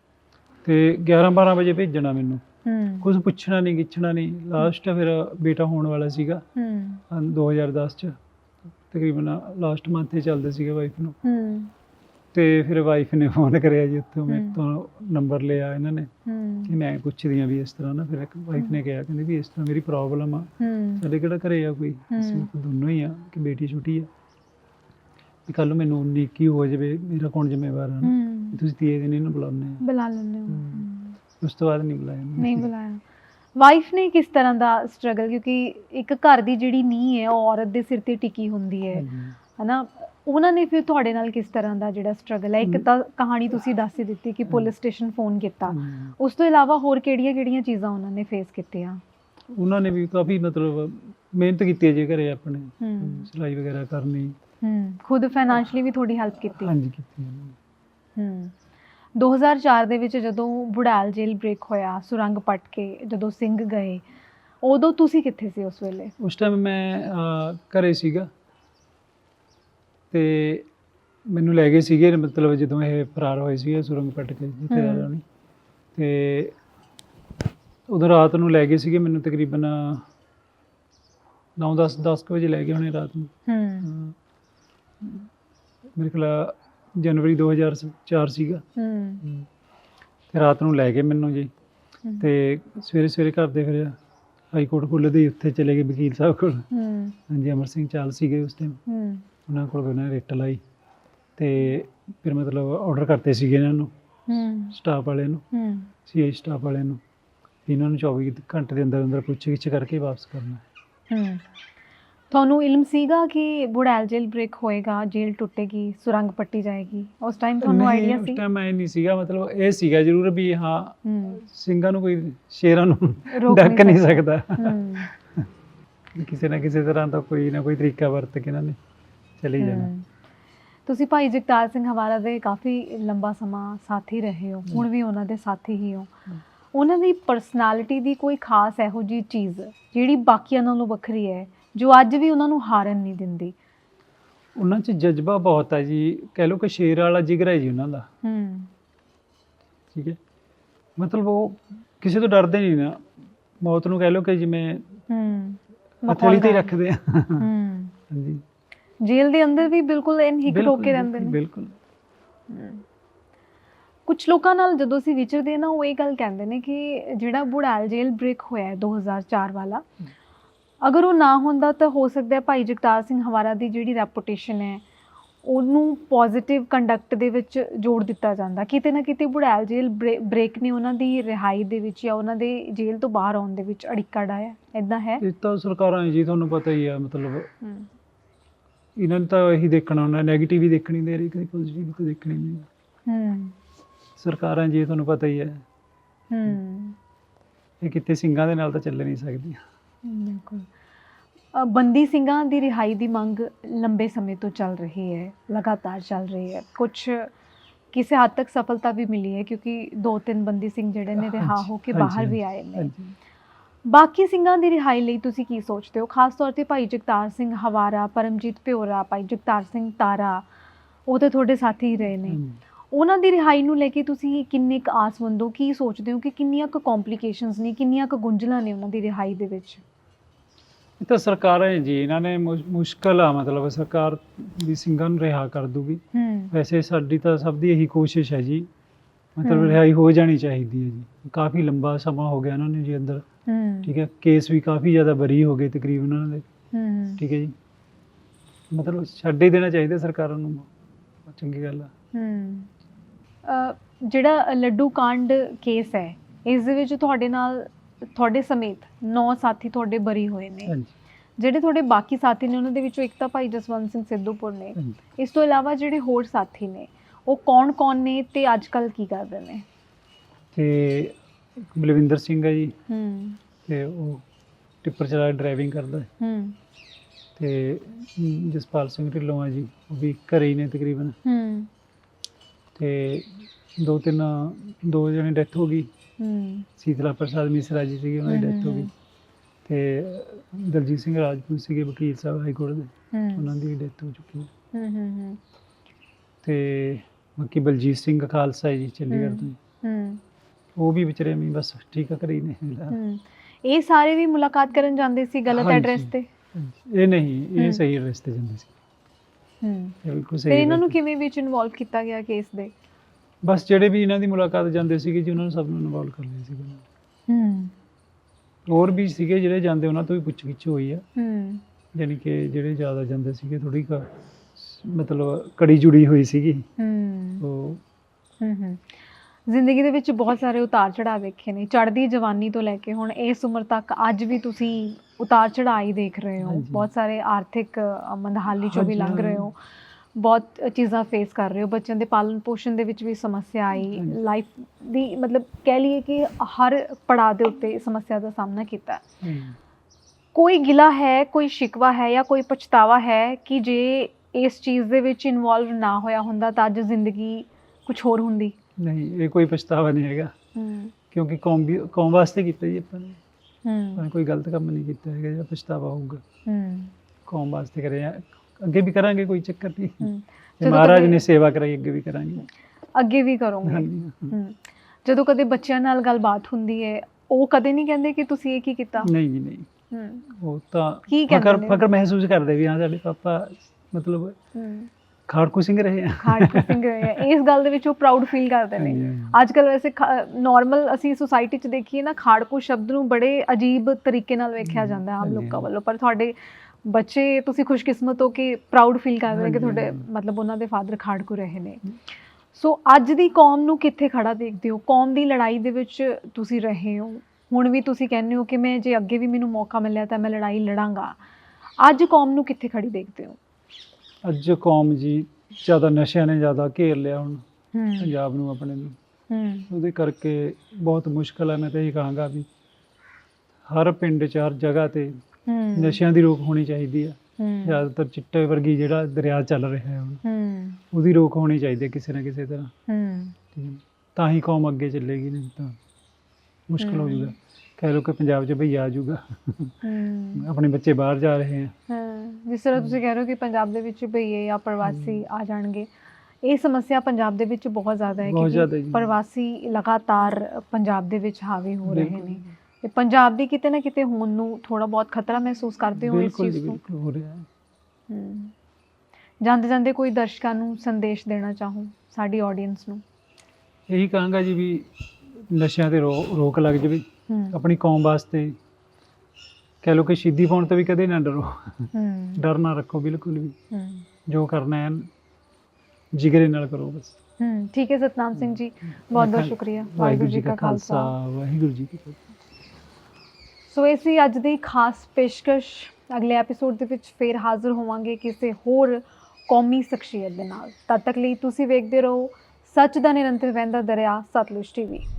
Speaker 2: ਤੇ ਗਿਆਰਾਂ ਬਾਰਾਂ ਵਜੇ ਭੇਜਣਾ ਮੈਨੂੰ,
Speaker 1: ਹੂੰ
Speaker 2: ਕੁਝ ਪੁੱਛਣਾ ਨਹੀਂ ਗਿੱਛਣਾ ਨਹੀਂ। ਲਾਸਟ ਫਿਰ ਬੇਟਾ ਹੋਣ ਵਾਲਾ ਸੀਗਾ
Speaker 1: ਹੂੰ
Speaker 2: ਦੋ ਹਜ਼ਾਰ ਦਸ 'ਚ, ਤਕਰੀਬਨ ਲਾਸਟ ਮੰਥ ਹੀ ਚੱਲਦੇ ਸੀਗੇ ਵਾਈਫ ਨੂੰ।
Speaker 1: ਹੂੰ
Speaker 2: ਤੇ ਫਿਰ ਵਾਈਫ ਨੇ ਫੋਨ ਕਰਿਆ ਜੀ, ਉੱਥੋਂ ਮੇਰੇ
Speaker 1: ਹਮ।
Speaker 2: ਤੋਂ ਨੰਬਰ ਲਿਆ ਇਹਨਾਂ ਨੇ
Speaker 1: ਹੂੰ
Speaker 2: ਕਿ ਮੈਂ ਪੁੱਛਦੀ ਹਾਂ ਵੀ ਇਸ ਤਰ੍ਹਾਂ ਨਾ। ਫਿਰ ਇੱਕ ਵਾਈਫ ਨੇ ਕਿਹਾ, ਕਹਿੰਦੀ ਵੀ ਇਸ ਤਰ੍ਹਾਂ ਮੇਰੀ ਪ੍ਰੋਬਲਮ ਆ,
Speaker 1: ਹੂੰ
Speaker 2: ਸਾਡੇ ਕਿਹੜਾ ਘਰੇ ਆ ਕੋਈ, ਅਸੀਂ
Speaker 1: ਹਮ।
Speaker 2: ਦੋਨੋਂ ਹੀ ਆ, ਕਿ ਬੇਟੀ ਛੋਟੀ ਆ, ਵੀ ਕੱਲ੍ਹ ਨੂੰ ਮੈਨੂੰ ਉਨੀ ਇੱਕੀ ਹੋ ਜਾਵੇ, ਮੇਰਾ ਕੌਣ ਜ਼ਿੰਮੇਵਾਰ ਆ ਨਾ,
Speaker 1: ਹੂੰ
Speaker 2: ਵੀ ਤੁਸੀਂ ਤੀਏ ਦਿਨ ਇਹਨੂੰ ਬੁਲਾਉਂਦੇ ਆ।
Speaker 1: ਬੁਲਾ ਲੈਂਦੇ ਹੋ?
Speaker 2: ਹਮ।
Speaker 1: ਹੂੰ।
Speaker 2: ਉਸ ਤੋਂ ਬਾਅਦ ਨਹੀਂ ਬੁਲਾਇਆ ਇਹਨੂੰ।
Speaker 1: ਨਹੀਂ ਬੁਲਾਇਆ। ਵਾਈਫ ਨੇ ਕਿਸ ਤਰ੍ਹਾਂ ਦਾ ਸਟਰਗਲ, ਕਿਉਂਕਿ ਇੱਕ ਘਰ ਦੀ ਜਿਹੜੀ ਨੀਂਹ ਹੈ ਉਹ ਔਰਤ ਦੇ ਸਿਰ ਤੇ ਟਿਕੀ ਹੁੰਦੀ ਹੈ
Speaker 2: ਹਾਂਜੀ।
Speaker 1: ਹਨਾ, ਉਹਨਾਂ ਨੇ ਫਿਰ ਤੁਹਾਡੇ ਨਾਲ ਕਿਸ ਤਰ੍ਹਾਂ ਦਾ ਜਿਹੜਾ ਸਟਰਗਲ ਹੈ? ਇੱਕ
Speaker 2: ਹਮ।
Speaker 1: ਤਾਂ ਕਹਾਣੀ ਤੁਸੀਂ ਦੱਸ ਹੀ ਦਿੱਤੀ ਕਿ ਪੁਲਿਸ ਸਟੇਸ਼ਨ ਫੋਨ ਕੀਤਾ,
Speaker 2: ਹਮ।
Speaker 1: ਉਸ ਤੋਂ ਇਲਾਵਾ ਹੋਰ ਕਿਹੜੀਆਂ ਕਿਹੜੀਆਂ ਚੀਜ਼ਾਂ ਉਹਨਾਂ ਨੇ ਫੇਸ ਕੀਤੀਆਂ?
Speaker 2: ਉਹਨਾਂ ਨੇ ਵੀ ਕਾਫੀ ਮਤਲਬ ਮਿਹਨਤ ਕੀਤੀ ਹੈ ਜੀ ਘਰੇ ਆਪਣੇ,
Speaker 1: ਹੂੰ
Speaker 2: ਸਿਲਾਈ ਵਗੈਰਾ ਕਰਨੀ।
Speaker 1: ਹੂੰ ਖੁਦ ਫਾਈਨੈਂਸ਼ਲੀ ਵੀ ਥੋੜੀ ਹੈਲਪ ਕੀਤੀ?
Speaker 2: ਹਾਂਜੀ ਕੀਤੀ ਹੈ।
Speaker 1: ਹੂੰ ਦੋ ਹਜ਼ਾਰ ਚਾਰ ਦੇ ਵਿੱਚ ਜਦੋਂ ਬੁੜੈਲ ਜੇਲ੍ਹ ਬ੍ਰੇਕ ਹੋਇਆ, ਸੁਰੰਗ ਪੱਟ ਕੇ ਜਦੋਂ ਸਿੰਘ ਗਏ, ਉਦੋਂ ਤੁਸੀਂ ਕਿੱਥੇ ਸੀ ਉਸ ਵੇਲੇ?
Speaker 2: ਉਸ ਟਾਈਮ ਮੈਂ ਅਹ, ਘਰੇ ਸੀਗਾ ਤੇ ਮੈਨੂੰ ਲੈ ਗਏ ਸੀਗੇ ਮਤਲਬ ਜਦੋਂ ਇਹ ਫਰਾਰ ਹੋਏ ਸੀਗੇ ਸੁਰੰਗ ਪੱਟ ਕੇ ਜਿੱਥੇ
Speaker 1: ਹੂੰ।
Speaker 2: ਰਾਣੀ, ਤੇ ਉਦੋਂ ਰਾਤ ਨੂੰ ਲੈ ਗਏ ਸੀਗੇ ਮੈਨੂੰ ਤਕਰੀਬਨ ਨੌ ਦਸ ਦਸ ਕੁ ਵਜੇ ਲੈ ਗਏ ਹੋਣੇ ਰਾਤ ਨੂੰ।
Speaker 1: ਹੂੰ
Speaker 2: ਅਹ, ਮੇਰੇ ਖਿਆਲ ਜਨਵਰੀ ਦੋ ਹਜ਼ਾਰ ਚਾਰ ਸੀਗਾ।
Speaker 1: ਹੂੰ
Speaker 2: ਤੇ ਰਾਤ ਨੂੰ ਲੈ ਗਏ ਮੈਨੂੰ ਜੀ,
Speaker 1: ਹੂੰ।
Speaker 2: ਤੇ ਸਵੇਰੇ ਸਵੇਰੇ ਘਰ ਦੇ ਫਿਰ ਹਾਈ ਕੋਰਟ ਖੁੱਲ੍ਹੇ ਦੇ ਉੱਥੇ ਚਲੇ ਗਏ ਵਕੀਲ ਸਾਹਿਬ ਕੋਲ।
Speaker 1: ਹੂੰ
Speaker 2: ਹਾਂਜੀ ਅਮਰ ਸਿੰਘ ਚਾਲ ਸੀਗੇ ਉਸ ਟਾਈਮ,
Speaker 1: ਹੂੰ
Speaker 2: ਉਹਨਾਂ ਕੋਲ ਉਹਨਾਂ ਨੇ ਰਿਟ ਲਾਈ ਤੇ ਫਿਰ ਮਤਲਬ ਆਰਡਰ ਕਰਤੇ ਸੀਗੇ ਇਹਨਾਂ ਨੂੰ,
Speaker 1: ਹੂੰ
Speaker 2: ਸਟਾਫ ਵਾਲਿਆਂ ਨੂੰ,
Speaker 1: ਹੂੰ
Speaker 2: ਸੀ ਆਈ ਸਟਾਫ ਵਾਲਿਆਂ ਨੂੰ, ਵੀ ਇਹਨਾਂ ਨੂੰ ਚੌਵੀ ਘੰਟੇ ਦੇ ਅੰਦਰ ਅੰਦਰ ਪੁੱਛ ਗਿੱਛ ਕਰਕੇ ਵਾਪਸ ਕਰਨਾ।
Speaker 1: ਹੂੰ ਤੁਹਾਨੂੰ ਇਲਮ ਸੀਗਾ ਕਿ ਬੁੜੈਲ ਜੇਲ੍ਹ ਬ੍ਰੇਕ ਹੋਏਗਾ, ਜੇਲ੍ਹ ਟੁੱਟੇਗੀ, ਸੁਰੰਗ ਪੱਟੀ ਜਾਏਗੀ? ਉਸ ਟਾਈਮ ਤੁਹਾਨੂੰ
Speaker 2: ਨਹੀਂ,
Speaker 1: ਆਈਡੀਆ
Speaker 2: ਉਸ
Speaker 1: ਸੀ?
Speaker 2: ਟਾਈਮ ਐ ਨਹੀਂ ਸੀਗਾ, ਮਤਲਬ ਇਹ ਸੀਗਾ ਜ਼ਰੂਰ ਵੀ ਹਾਂ
Speaker 1: ਹੂੰ
Speaker 2: ਸਿੰਘਾਂ ਨੂੰ ਕੋਈ ਸ਼ੇਰਾਂ ਨੂੰ
Speaker 1: ਰੋਕ
Speaker 2: ਡੱਕ ਨਹੀਂ ਸਕਦਾ।
Speaker 1: ਹੂੰ
Speaker 2: ਕਿਸੇ ਨਾ ਕਿਸੇ ਤਰ੍ਹਾਂ ਦਾ ਕੋਈ ਨਾ ਕੋਈ ਤਰੀਕਾ ਵਰਤ ਕੇ ਇਹਨਾਂ ਨੇ ਚਲੇ ਹੀ ਜਾਣਾ।
Speaker 1: ਹੂੰ। ਤੁਸੀਂ ਭਾਈ ਜਗਤਾਰ ਸਿੰਘ ਹਵਾਰਾ ਦੇ ਕਾਫੀ ਲੰਬਾ ਸਮਾਂ ਸਾਥੀ ਰਹੇ ਹੋ, ਹੁਣ ਵੀ ਉਹਨਾਂ ਦੇ ਸਾਥੀ ਹੀ ਹੋ। ਉਹਨਾਂ ਦੀ ਪਰਸਨੈਲਿਟੀ ਦੀ ਕੋਈ ਖਾਸ ਇਹੋ ਜਿਹੀ ਚੀਜ਼ ਜਿਹੜੀ ਬਾਕੀਆਂ ਨਾਲੋਂ ਵੱਖਰੀ ਹੈ, ਜੋ ਅੱਜ ਵੀ ਉਹਨਾਂ ਨੂੰ ਹਾਰਨ ਨਹੀਂ ਦਿੰਦੀ?
Speaker 2: ਉਹਨਾਂ 'ਚ ਜਜ਼ਬਾ ਬਹੁਤ ਹੈ ਜੀ, ਕਹਿ ਲਓ ਕਿ ਸ਼ੇਰ ਵਾਲਾ ਜਿਗਰ ਹੈ ਜੀ ਉਹਨਾਂ ਦਾ।
Speaker 1: ਹੂੰ
Speaker 2: ਠੀਕ ਹੈ, ਮਤਲਬ ਉਹ ਕਿਸੇ ਤੋਂ ਡਰਦੇ ਨਹੀਂ ਨਾ, ਮੌਤ ਨੂੰ ਕਹਿ ਲਓ ਕਿ ਜਿਵੇਂ
Speaker 1: ਹੂੰ
Speaker 2: ਹਥੇਲੀ ਤੇ ਹੀ ਰੱਖਦੇ ਆ।
Speaker 1: ਹੂੰ
Speaker 2: ਹਾਂਜੀ,
Speaker 1: ਜੇਲ੍ਹ ਦੇ ਅੰਦਰ ਵੀ ਬਿਲਕੁਲ ਇਨ ਹਿੱਕ ਰੋਕ ਕੇ ਰਹਿੰਦੇ ਨੇ।
Speaker 2: ਬਿਲਕੁਲ।
Speaker 1: ਕੁਝ ਲੋਕਾਂ ਨਾਲ ਜਦੋਂ ਅਸੀਂ ਵਿਚਰਦੇ ਨਾ, ਉਹ ਇਹ ਗੱਲ ਕਹਿੰਦੇ ਨੇ ਕਿ ਜਿਹੜਾ ਬੁੜੈਲ ਜੇਲ੍ਹ ਬ੍ਰੇਕ ਹੋਇਆ ਦੋ ਹਜ਼ਾਰ ਚਾਰ ਵਾਲਾ, ਅਗਰ ਉਹ ਨਾ ਹੁੰਦਾ ਤਾਂ ਹੋ ਸਕਦਾ ਹੈ ਭਾਈ ਜਗਤਾਰ ਸਿੰਘ ਹਵਾਰਾ ਦੀ ਜਿਹੜੀ ਰੈਪੂਟੇਸ਼ਨ ਹੈ ਉਹਨੂੰ ਪੋਜ਼ਿਟਿਵ ਕੰਡਕਟ ਦੇ ਵਿੱਚ ਜੋੜ ਦਿੱਤਾ ਜਾਂਦਾ। ਕਿਤੇ ਨਾ ਕਿਤੇ ਬੁੜੈਲ ਜੇਲ੍ਹ ਬ੍ਰੇਕ ਨੇ ਉਹਨਾਂ ਦੀ ਰਿਹਾਈ ਦੇ ਵਿੱਚ ਜਾਂ ਉਹਨਾਂ ਦੇ ਜੇਲ੍ਹ ਤੋਂ ਬਾਹਰ ਆਉਣ ਦੇ ਵਿੱਚ ਅੜਿੱਕਾ ਡਾਇਆ, ਇੱਦਾਂ ਹੈ?
Speaker 2: ਇਹ ਤਾਂ ਸਰਕਾਰਾਂ ਜੀ, ਤੁਹਾਨੂੰ ਪਤਾ ਹੀ ਆ, ਮਤਲਬ
Speaker 1: ਹੂੰ
Speaker 2: ਇਹਨਾਂ ਨੇ ਤਾਂ ਇਹੀ ਦੇਖਣਾ ਹੁੰਦਾ, ਨੈਗੇਟਿਵ ਹੀ ਦੇਖਣੀ ਦੇ ਰਹੀ, ਕਦੇ ਪੋਜ਼ੀਟਿਵ ਤਾਂ ਦੇਖਣੀ ਨਹੀਂ।
Speaker 1: ਹੂੰ
Speaker 2: ਸਰਕਾਰਾਂ ਜੀ ਤੁਹਾਨੂੰ ਪਤਾ ਹੀ ਹੈ,
Speaker 1: ਹੂੰ
Speaker 2: ਇਹ ਕਿਤੇ ਸਿੰਘਾਂ ਦੇ ਨਾਲ ਤਾਂ ਚੱਲ ਨਹੀਂ ਸਕਦੀਆਂ।
Speaker 1: ਬਿਲਕੁਲ। ਅ, ਬੰਦੀ ਸਿੰਘਾਂ ਦੀ ਰਿਹਾਈ ਦੀ ਮੰਗ ਲੰਬੇ ਸਮੇਂ ਤੋਂ ਚੱਲ ਰਹੀ ਹੈ, ਲਗਾਤਾਰ ਚੱਲ ਰਹੀ ਹੈ। ਕੁਛ ਕਿਸੇ ਹੱਦ ਤੱਕ ਸਫਲਤਾ ਵੀ ਮਿਲੀ ਹੈ ਕਿਉਂਕਿ ਦੋ ਤਿੰਨ ਬੰਦੀ ਸਿੰਘ ਜਿਹੜੇ ਨੇ ਰਿਹਾ ਹੋ ਕੇ ਬਾਹਰ ਵੀ ਆਏ ਨੇ। ਬਾਕੀ ਸਿੰਘਾਂ ਦੀ ਰਿਹਾਈ ਲਈ ਤੁਸੀਂ ਕੀ ਸੋਚਦੇ ਹੋ? ਖਾਸ ਤੌਰ ਤੇ ਭਾਈ ਜਗਤਾਰ ਸਿੰਘ ਹਵਾਰਾ, ਪਰਮਜੀਤ ਭਿਓਰਾ, ਭਾਈ ਜਗਤਾਰ ਸਿੰਘ ਤਾਰਾ, ਉਹ ਤਾਂ ਤੁਹਾਡੇ ਸਾਥੀ ਰਹੇ ਨੇ। ਉਹਨਾਂ ਦੀ ਰਿਹਾਈ ਨੂੰ ਲੈ ਕੇ ਤੁਸੀਂ ਕਿੰਨੇ ਕੁ ਆਸਵੰਦ ਹੋ? ਕੀ ਸੋਚਦੇ ਹੋ ਕਿ ਕਿੰਨੀਆਂ ਕੁ ਕੰਪਲਿਕੇਸ਼ਨਸ ਨੇ, ਕਿੰਨੀਆਂ ਕੁ ਗੁੰਝਲਾਂ ਨੇ ਉਹਨਾਂ ਦੀ ਰਿਹਾਈ ਦੇ ਵਿੱਚ?
Speaker 2: ਇਹ ਤਾਂ ਸਰਕਾਰਾਂ ਹੈ ਜੀ, ਇਹਨਾਂ ਨੇ ਮੁਸ਼- ਮੁਸ਼ਕਲ ਆ, ਮਤਲਬ ਸਰਕਾਰ ਵੀ ਸਿੰਘਾਂ ਨੂੰ ਰਿਹਾ ਕਰ ਦੂਗੀ।
Speaker 1: ਹੂੰ
Speaker 2: ਵੈਸੇ ਸਾਡੀ ਤਾਂ ਸਭ ਦੀ ਇਹੀ ਕੋਸ਼ਿਸ਼ ਹੈ ਜੀ, ਮਤਲਬ
Speaker 1: ਹੂੰ।
Speaker 2: ਰਿਹਾਈ ਹੋ ਜਾਣੀ ਚਾਹੀਦੀ ਹੈ ਜੀ। ਕਾਫੀ ਲੰਬਾ ਸਮਾਂ ਹੋ ਗਿਆ ਇਹਨਾਂ ਨੇ ਜੀ ਅੰਦਰ,
Speaker 1: ਹੂੰ
Speaker 2: ਠੀਕ ਹੈ, ਕੇਸ ਵੀ ਕਾਫੀ ਜ਼ਿਆਦਾ ਬਰੀ ਹੋ ਗਏ ਤਕਰੀਬਨ ਉਹਨਾਂ ਦੇ,
Speaker 1: ਹੂੰ
Speaker 2: ਠੀਕ ਹੈ ਜੀ, ਮਤਲਬ ਛੱਡ ਹੀ ਦੇਣਾ ਚਾਹੀਦਾ ਸਰਕਾਰਾਂ ਨੂੰ, ਚੰਗੀ ਗੱਲ ਆ।
Speaker 1: ਹੂੰ ਅ, ਜਿਹੜਾ ਲੱਡੂ ਕਾਂਡ ਕੇਸ ਹੈ, ਇਸ ਦੇ ਵਿੱਚ ਤੁਹਾਡੇ ਨਾਲ ਤੁਹਾਡੇ ਸਮੇਤ ਨੌ ਸਾਥੀ ਤੁਹਾਡੇ ਬਰੀ ਹੋਏ ਨੇ।
Speaker 2: ਹਾਂਜੀ
Speaker 1: ਜਿਹੜੇ ਤੁਹਾਡੇ ਬਾਕੀ ਸਾਥੀ ਨੇ ਉਹਨਾਂ ਦੇ ਵਿੱਚੋਂ ਇੱਕ ਤਾਂ ਭਾਈ ਜਸਵੰਤ ਸਿੰਘ ਸਿੱਧੂਪੁਰ ਨੇ,
Speaker 2: ਹਾਂਜੀ।
Speaker 1: ਇਸ ਤੋਂ ਇਲਾਵਾ ਜਿਹੜੇ ਹੋਰ ਸਾਥੀ ਨੇ ਉਹ ਕੌਣ ਕੌਣ ਨੇ ਤੇ ਅੱਜ ਕੱਲ੍ਹ ਕੀ ਕਰਦੇ ਨੇ?
Speaker 2: ਤੇ ਬਲਵਿੰਦਰ ਸਿੰਘ ਹੈ ਜੀ,
Speaker 1: ਹੂੰ
Speaker 2: ਤੇ ਉਹ ਟਿੱਪਰ ਚਲਾ ਡਰਾਈਵਿੰਗ ਕਰਦਾ ਹੈ।
Speaker 1: ਹੂੰ
Speaker 2: ਤੇ ਜਸਪਾਲ ਸਿੰਘ ਢਿੱਲੋਂ ਆ ਜੀ, ਉਹ ਵੀ ਘਰੇ ਹੀ ਨੇ ਤਕਰੀਬਨ।
Speaker 1: ਹੂੰ
Speaker 2: ਤੇ ਦੋ ਤਿੰਨ ਦੋ ਜਣੇ ਡੈਥ ਹੋ ਗਈ।
Speaker 1: ਹੂੰ
Speaker 2: ਸੀਤਲਾ ਪ੍ਰਸਾਦ ਮਿਸਰਾ ਜੀ ਸੀਗੇ, ਉਹਨਾਂ ਦੀ ਡੈਥ ਹੋ ਗਈ। ਤੇ ਦਲਜੀਤ ਸਿੰਘ ਰਾਜਪੂਤ ਸੀਗੇ ਵਕੀਲ ਸਾਹਿਬ ਹਾਈ ਕੋਰਟ ਦੇ, ਉਹਨਾਂ ਦੀ ਡੈਥ ਹੋ ਚੁੱਕੀ ਹੈ।
Speaker 1: ਹੂੰ ਹੂੰ
Speaker 2: ਤੇ ਬਾਕੀ ਬਲਜੀਤ ਸਿੰਘ ਖਾਲਸਾ ਹੈ ਜੀ ਚੰਡੀਗੜ੍ਹ ਤੋਂ,
Speaker 1: ਹੂੰ
Speaker 2: ਉਹ ਵੀ ਵਿਚਾਰੇ ਵੀ ਬਸ ਠੀਕ ਆ, ਘਰੇ ਹੀ ਨੇ ਫਿਲਹਾਲ।
Speaker 1: ਹੂੰ ਇਹ ਸਾਰੇ ਵੀ ਮੁਲਾਕਾਤ ਕਰਨ ਜਾਂਦੇ ਸੀ ਗਲਤ
Speaker 2: ਹਾਂਜੀ,
Speaker 1: ਐਡਰੈਸ ਤੇ?
Speaker 2: ਹਾਂਜੀ। ਇਹ ਨਹੀਂ, ਇਹ
Speaker 1: ਹੂੰ।
Speaker 2: ਸਹੀ ਐਡਰੈਸ ਤੇ ਜਾਂਦੇ ਸੀ।
Speaker 1: ਹੂੰ
Speaker 2: ਇਹ ਬਿਲਕੁਲ
Speaker 1: ਫਿਰ
Speaker 2: ਸਹੀ
Speaker 1: ਇਹਨਾਂ ਨੂੰ
Speaker 2: address ਤੇ।
Speaker 1: ਕਿਵੇਂ ਵਿੱਚ ਇਨਵੋਲਵ ਕੀਤਾ ਗਿਆ ਕੇਸ ਦੇ?
Speaker 2: ਬਸ ਜਿਹੜੇ ਵੀ ਇਹਨਾਂ ਦੀ ਮੁਲਾਕਾਤ ਜਾਂਦੇ ਸੀਗੇ ਜੀ, ਉਹਨਾਂ ਨੂੰ ਸਭ ਨੂੰ ਇਨਵੋਲਵ ਕਰ ਲਿਆ ਸੀਗਾ।
Speaker 1: ਹੂੰ
Speaker 2: ਹੋਰ ਵੀ ਸੀਗੇ ਜਿਹੜੇ ਜਾਂਦੇ, ਉਹਨਾਂ ਤੋਂ ਵੀ ਪੁੱਛ ਗਿੱਛ ਹੋਈ ਆ,
Speaker 1: ਹੂੰ
Speaker 2: ਯਾਨੀ ਕਿ ਜਿਹੜੇ ਜ਼ਿਆਦਾ ਜਾਂਦੇ ਸੀਗੇ ਥੋੜੀ ਮਤਲਬ ਕੜੀ ਜੁੜੀ ਹੋਈ ਸੀਗੀ
Speaker 1: ਹੂੰ
Speaker 2: ਉਹ।
Speaker 1: ਹੂੰ ਹੂੰ ਜ਼ਿੰਦਗੀ ਦੇ ਵਿੱਚ ਬਹੁਤ ਸਾਰੇ ਉਤਾਰ ਚੜ੍ਹਾਅ ਦੇਖੇ ਨੇ, ਚੜ੍ਹਦੀ ਜਵਾਨੀ ਤੋਂ ਲੈ ਕੇ ਹੁਣ ਇਸ ਉਮਰ ਤੱਕ ਅੱਜ ਵੀ ਤੁਸੀਂ ਉਤਾਰ ਚੜ੍ਹਾਅ ਹੀ ਦੇਖ ਰਹੇ ਹੋ।
Speaker 2: ਹਾਂਜੀ।
Speaker 1: ਬਹੁਤ ਸਾਰੇ ਆਰਥਿਕ ਅ, ਮੰਦਹਾਲੀ ਚੋਂ ਵੀ
Speaker 2: ਹਾਂਜੀ,
Speaker 1: ਲੰਘ ਰਹੇ ਹੋ। ਬਹੁਤ ਚੀਜ਼ਾਂ ਫੇਸ ਕਰ ਰਹੇ ਹੋ, ਬੱਚਿਆਂ ਦੇ ਪਾਲਣ ਪੋਸ਼ਣ ਦੇ ਵਿੱਚ ਵੀ ਸਮੱਸਿਆ ਆਈ,
Speaker 2: ਹਾਂਜੀ।
Speaker 1: ਲਾਈਫ ਦੀ ਮਤਲਬ ਕਹਿ ਲਈਏ ਕਿ ਹਰ ਪੜਾਅ ਦੇ ਉੱਤੇ ਸਮੱਸਿਆ ਦਾ ਸਾਹਮਣਾ ਕੀਤਾ।
Speaker 2: ਹਮ।
Speaker 1: ਕੋਈ ਗਿਲਾ ਹੈ, ਕੋਈ ਸ਼ਿਕਵਾ ਹੈ ਜਾਂ ਕੋਈ ਪਛਤਾਵਾ ਹੈ ਕਿ ਜੇ ਇਸ ਚੀਜ਼ ਦੇ ਵਿੱਚ ਇਨਵੋਲਵ ਨਾ ਹੋਇਆ ਹੁੰਦਾ ਤਾਂ ਅੱਜ ਜ਼ਿੰਦਗੀ ਕੁਝ ਹੋਰ ਹੁੰਦੀ?
Speaker 2: ਨਹੀਂ, ਇਹ ਕੋਈ ਪਛਤਾਵਾ ਨਹੀਂ ਹੈਗਾ,
Speaker 1: ਹੂੰ
Speaker 2: ਕਿਉਂਕਿ ਕੌਮ ਵੀ ਕੌਮ ਵਾਸਤੇ ਕੀਤਾ ਜੀ ਆਪਾਂ ਨੇ।
Speaker 1: ਹੂੰ
Speaker 2: ਆਪਾਂ ਨੇ ਕੋਈ ਗਲਤ ਕੰਮ ਨਹੀਂ ਕੀਤਾ ਹੈਗਾ ਜਾਂ ਪਛਤਾਵਾ ਹੋਊਗਾ।
Speaker 1: ਹੂੰ
Speaker 2: ਕੌਮ ਵਾਸਤੇ ਕਰੇ ਆ, ਅੱਗੇ ਵੀ ਕਰਾਂਗੇ, ਕੋਈ ਚੱਕਰ ਨਹੀਂ।
Speaker 1: ਹੂੰ
Speaker 2: ਜੇ
Speaker 1: ਜਦੋਂ
Speaker 2: ਮਹਾਰਾਜ
Speaker 1: ਕਦੇ-
Speaker 2: ਨੇ ਸੇਵਾ ਕਰਾਈ, ਅੱਗੇ ਵੀ ਕਰਾਂਗੇ।
Speaker 1: ਅੱਗੇ ਵੀ ਕਰੋਗੇ।
Speaker 2: ਹਾਂਜੀ।
Speaker 1: ਹੂੰ ਜਦੋਂ ਕਦੇ ਬੱਚਿਆਂ ਨਾਲ ਗੱਲਬਾਤ ਹੁੰਦੀ ਹੈ, ਉਹ ਕਦੇ ਨਹੀਂ ਕਹਿੰਦੇ ਕਿ ਤੁਸੀਂ ਇਹ ਕੀ ਕੀਤਾ?
Speaker 2: ਨਹੀਂ ਜੀ, ਨਹੀਂ,
Speaker 1: ਹੂੰ
Speaker 2: ਉਹ ਤਾਂ
Speaker 1: ਕੀ ਕਹਿੰਦੇ
Speaker 2: ਫਕਰ
Speaker 1: ਨੇ?
Speaker 2: ਫਕਰ ਮਹਿਸੂਸ ਕਰਦੇ ਵੀ ਹਾਂ ਸਾਡੇ ਪਾਪਾ ਮਤਲਬ
Speaker 1: ਹੂੰ
Speaker 2: ਖਾੜਕੂ ਸਿੰਘ ਰਹੇ ਆ।
Speaker 1: ਖਾੜਕੂ ਸਿੰਘ ਰਹੇ ਆ, ਇਸ ਗੱਲ ਦੇ ਵਿੱਚ ਉਹ ਪ੍ਰਾਊਡ ਫੀਲ ਕਰਦੇ ਨੇ।
Speaker 2: ਹਾਂਜੀ, ਹਾਂਜੀ।
Speaker 1: ਅੱਜ ਕੱਲ੍ਹ ਵੈਸੇ ਨਾਰਮਲ ਅਸੀਂ ਸੁਸਾਇਟੀ 'ਚ ਦੇਖੀਏ ਨਾ, ਖਾੜਕੂ ਸ਼ਬਦ ਨੂੰ ਬੜੇ ਅਜੀਬ ਤਰੀਕੇ ਨਾਲ ਵੇਖਿਆ ਜਾਂਦਾ ਆਮ
Speaker 2: ਹਾਂਜੀ,
Speaker 1: ਲੋਕਾਂ
Speaker 2: ਹਾਂਜੀ।
Speaker 1: ਵੱਲੋਂ, ਪਰ ਤੁਹਾਡੇ ਬੱਚੇ, ਤੁਸੀਂ ਖੁਸ਼ਕਿਸਮਤ ਹੋ ਕਿ ਪ੍ਰਾਊਡ ਫੀਲ ਕਰਦੇ ਨੇ ਕਿ
Speaker 2: ਹਾਂਜੀ,
Speaker 1: ਤੁਹਾਡੇ
Speaker 2: ਹਾਂਜੀ।
Speaker 1: ਮਤਲਬ ਉਹਨਾਂ ਦੇ ਫਾਦਰ ਖਾੜਕੂ ਰਹੇ ਨੇ। ਸੋ ਅੱਜ ਦੀ ਕੌਮ ਨੂੰ ਕਿੱਥੇ ਖੜਾ ਦੇਖਦੇ ਹੋ? ਕੌਮ ਦੀ ਲੜਾਈ ਦੇ ਵਿੱਚ ਤੁਸੀਂ ਰਹੇ ਹੋ, ਹੁਣ ਵੀ ਤੁਸੀਂ ਕਹਿੰਦੇ ਹੋ ਕਿ ਮੈਂ ਜੇ ਅੱਗੇ ਵੀ ਮੈਨੂੰ ਮੌਕਾ ਮਿਲਿਆ ਤਾਂ ਮੈਂ ਲੜਾਈ ਲੜਾਂਗਾ। ਅੱਜ ਕੌਮ ਨੂੰ ਕਿੱਥੇ ਖੜੀ ਦੇਖਦੇ ਹੋ?
Speaker 2: ਅੱਜ ਕੌਮ ਜੀ ਜ਼ਿਆਦਾ ਨਸ਼ਿਆਂ ਨੇ ਜ਼ਿਆਦਾ ਘੇਰ ਲਿਆ ਹੁਣ
Speaker 1: ਹੂੰ
Speaker 2: ਪੰਜਾਬ ਨੂੰ, ਆਪਣੇ ਨੂੰ।
Speaker 1: ਹੂੰ
Speaker 2: ਉਹਦੇ ਕਰਕੇ ਬਹੁਤ ਮੁਸ਼ਕਲ ਹੈ। ਮੈਂ ਤਾਂ ਇਹ ਕਹਾਂਗਾ ਵੀ ਹਰ ਪਿੰਡ 'ਚ, ਹਰ ਜਗ੍ਹਾ ਤੇ
Speaker 1: ਹੂੰ
Speaker 2: ਨਸ਼ਿਆਂ ਦੀ ਰੋਕ ਹੋਣੀ ਚਾਹੀਦੀ ਹੈ।
Speaker 1: ਹੂੰ
Speaker 2: ਜ਼ਿਆਦਾਤਰ ਚਿੱਟੇ ਵਰਗੀ ਜਿਹੜਾ ਦਰਿਆ ਚੱਲ ਰਿਹਾ ਹੈ ਹੁਣ,
Speaker 1: ਹੂੰ
Speaker 2: ਉਹਦੀ ਰੋਕ ਹੋਣੀ ਚਾਹੀਦੀ ਹੈ ਕਿਸੇ ਨਾ ਕਿਸੇ ਤਰ੍ਹਾਂ।
Speaker 1: ਹੂੰ
Speaker 2: ਠੀਕ ਹੈ। ਤਾਂ ਹੀ ਕੌਮ ਅੱਗੇ ਚੱਲੇਗੀ, ਨਹੀਂ ਤਾਂ ਮੁਸ਼ਕਲ ਹੋ
Speaker 1: ਹਮ।
Speaker 2: ਜਾਊਗਾ। ਕਹਿ ਲਓ ਕਿ ਪੰਜਾਬ 'ਚ ਭਈਆ ਆ ਜਾਊਗਾ,
Speaker 1: ਹੂੰ
Speaker 2: ਆਪਣੇ ਬੱਚੇ ਬਾਹਰ ਜਾ ਰਹੇ ਆ।
Speaker 1: ਹਾਂ, ਜਿਸ ਤਰ੍ਹਾਂ ਤੁਸੀਂ ਕਹਿ ਰਹੇ ਹੋ ਕਿ ਪੰਜਾਬ ਦੇ ਵਿੱਚ ਭਈਏ ਜਾਂ ਪ੍ਰਵਾਸੀ ਆ ਜਾਣਗੇ, ਇਹ ਸਮੱਸਿਆ ਪੰਜਾਬ ਦੇ ਵਿੱਚ ਬਹੁਤ ਜ਼ਿਆਦਾ ਹੈ
Speaker 2: ਬਹੁਤ ਜ਼ਿਆਦਾ
Speaker 1: ਕਿਉਂਕਿ
Speaker 2: ਜੀ।
Speaker 1: ਪ੍ਰਵਾਸੀ ਲਗਾਤਾਰ ਪੰਜਾਬ ਦੇ ਵਿੱਚ ਹਾਵੀ ਹੋ ਰਹੇ
Speaker 2: ਬਿਲਕੁਲ।
Speaker 1: ਨੇ ਤੇ ਪੰਜਾਬ ਦੀ ਕਿਤੇ ਨਾ ਕਿਤੇ ਹੋਣ ਨੂੰ ਥੋੜਾ ਬਹੁਤ ਖਤਰਾ ਮਹਿਸੂਸ ਕਰਦੇ ਹੋ ਇਸ
Speaker 2: ਬਿਲਕੁਲ ਜੀ,
Speaker 1: ਚੀਜ਼ ਤੋਂ?
Speaker 2: ਬਿਲਕੁਲ ਹੋ ਰਿਹਾ ਹੈ।
Speaker 1: ਹੂੰ ਜਾਂਦੇ ਜਾਂਦੇ ਕੋਈ ਦਰਸ਼ਕਾਂ ਨੂੰ ਸੰਦੇਸ਼ ਦੇਣਾ ਚਾਹੋ, ਸਾਡੀ ਆਡੀਅנס ਨੂੰ?
Speaker 2: ਇਹੀ ਕਹਾਂਗਾ ਜੀ ਵੀ ਨਸ਼ਿਆਂ ਤੇ ਰੋ ਰੋਕ ਲੱਗ ਜਾਵੇ
Speaker 1: ਹੂੰ
Speaker 2: ਆਪਣੀ ਕੌਮ ਵਾਸਤੇ। ਕਹਿ ਲਓ ਕਿ ਸ਼ਹੀਦੀ ਪਾਉਣ ਤੋਂ ਵੀ ਕਦੇ ਨਾ ਡਰੋ,
Speaker 1: ਹੂੰ
Speaker 2: ਡਰ ਨਾ ਰੱਖੋ ਬਿਲਕੁਲ ਵੀ।
Speaker 1: ਹੂੰ
Speaker 2: ਜੋ ਕਰਨਾ ਹੈ ਜਿਗਰੇ ਨਾਲ ਕਰੋ ਬਸ।
Speaker 1: ਹੂੰ ਠੀਕ ਹੈ ਸਤਨਾਮ ਸਿੰਘ ਜੀ, ਬਹੁਤ ਬਹੁਤ ਸ਼ੁਕਰੀਆ।
Speaker 2: ਵਾਹਿਗੁਰੂ ਜੀ ਕਾ ਖਾਲਸਾ, ਵਾਹਿਗੁਰੂ ਜੀ ਕੀ ਫਤਿਹ।
Speaker 1: ਸੋ ਇਹ ਸੀ ਅੱਜ ਦੀ ਖਾਸ ਪੇਸ਼ਕਸ਼। ਅਗਲੇ ਐਪੀਸੋਡ ਦੇ ਵਿੱਚ ਫੇਰ ਹਾਜ਼ਰ ਹੋਵਾਂਗੇ ਕਿਸੇ ਹੋਰ ਕੌਮੀ ਸ਼ਖਸੀਅਤ ਦੇ ਨਾਲ। ਤਦ ਤੱਕ ਲਈ ਤੁਸੀਂ ਵੇਖਦੇ ਰਹੋ ਸੱਚ ਦਾ ਨਿਰੰਤਰ ਵਹਿੰਦਾ ਦਰਿਆ ਸਤਲੁਜ ਟੀਵੀ।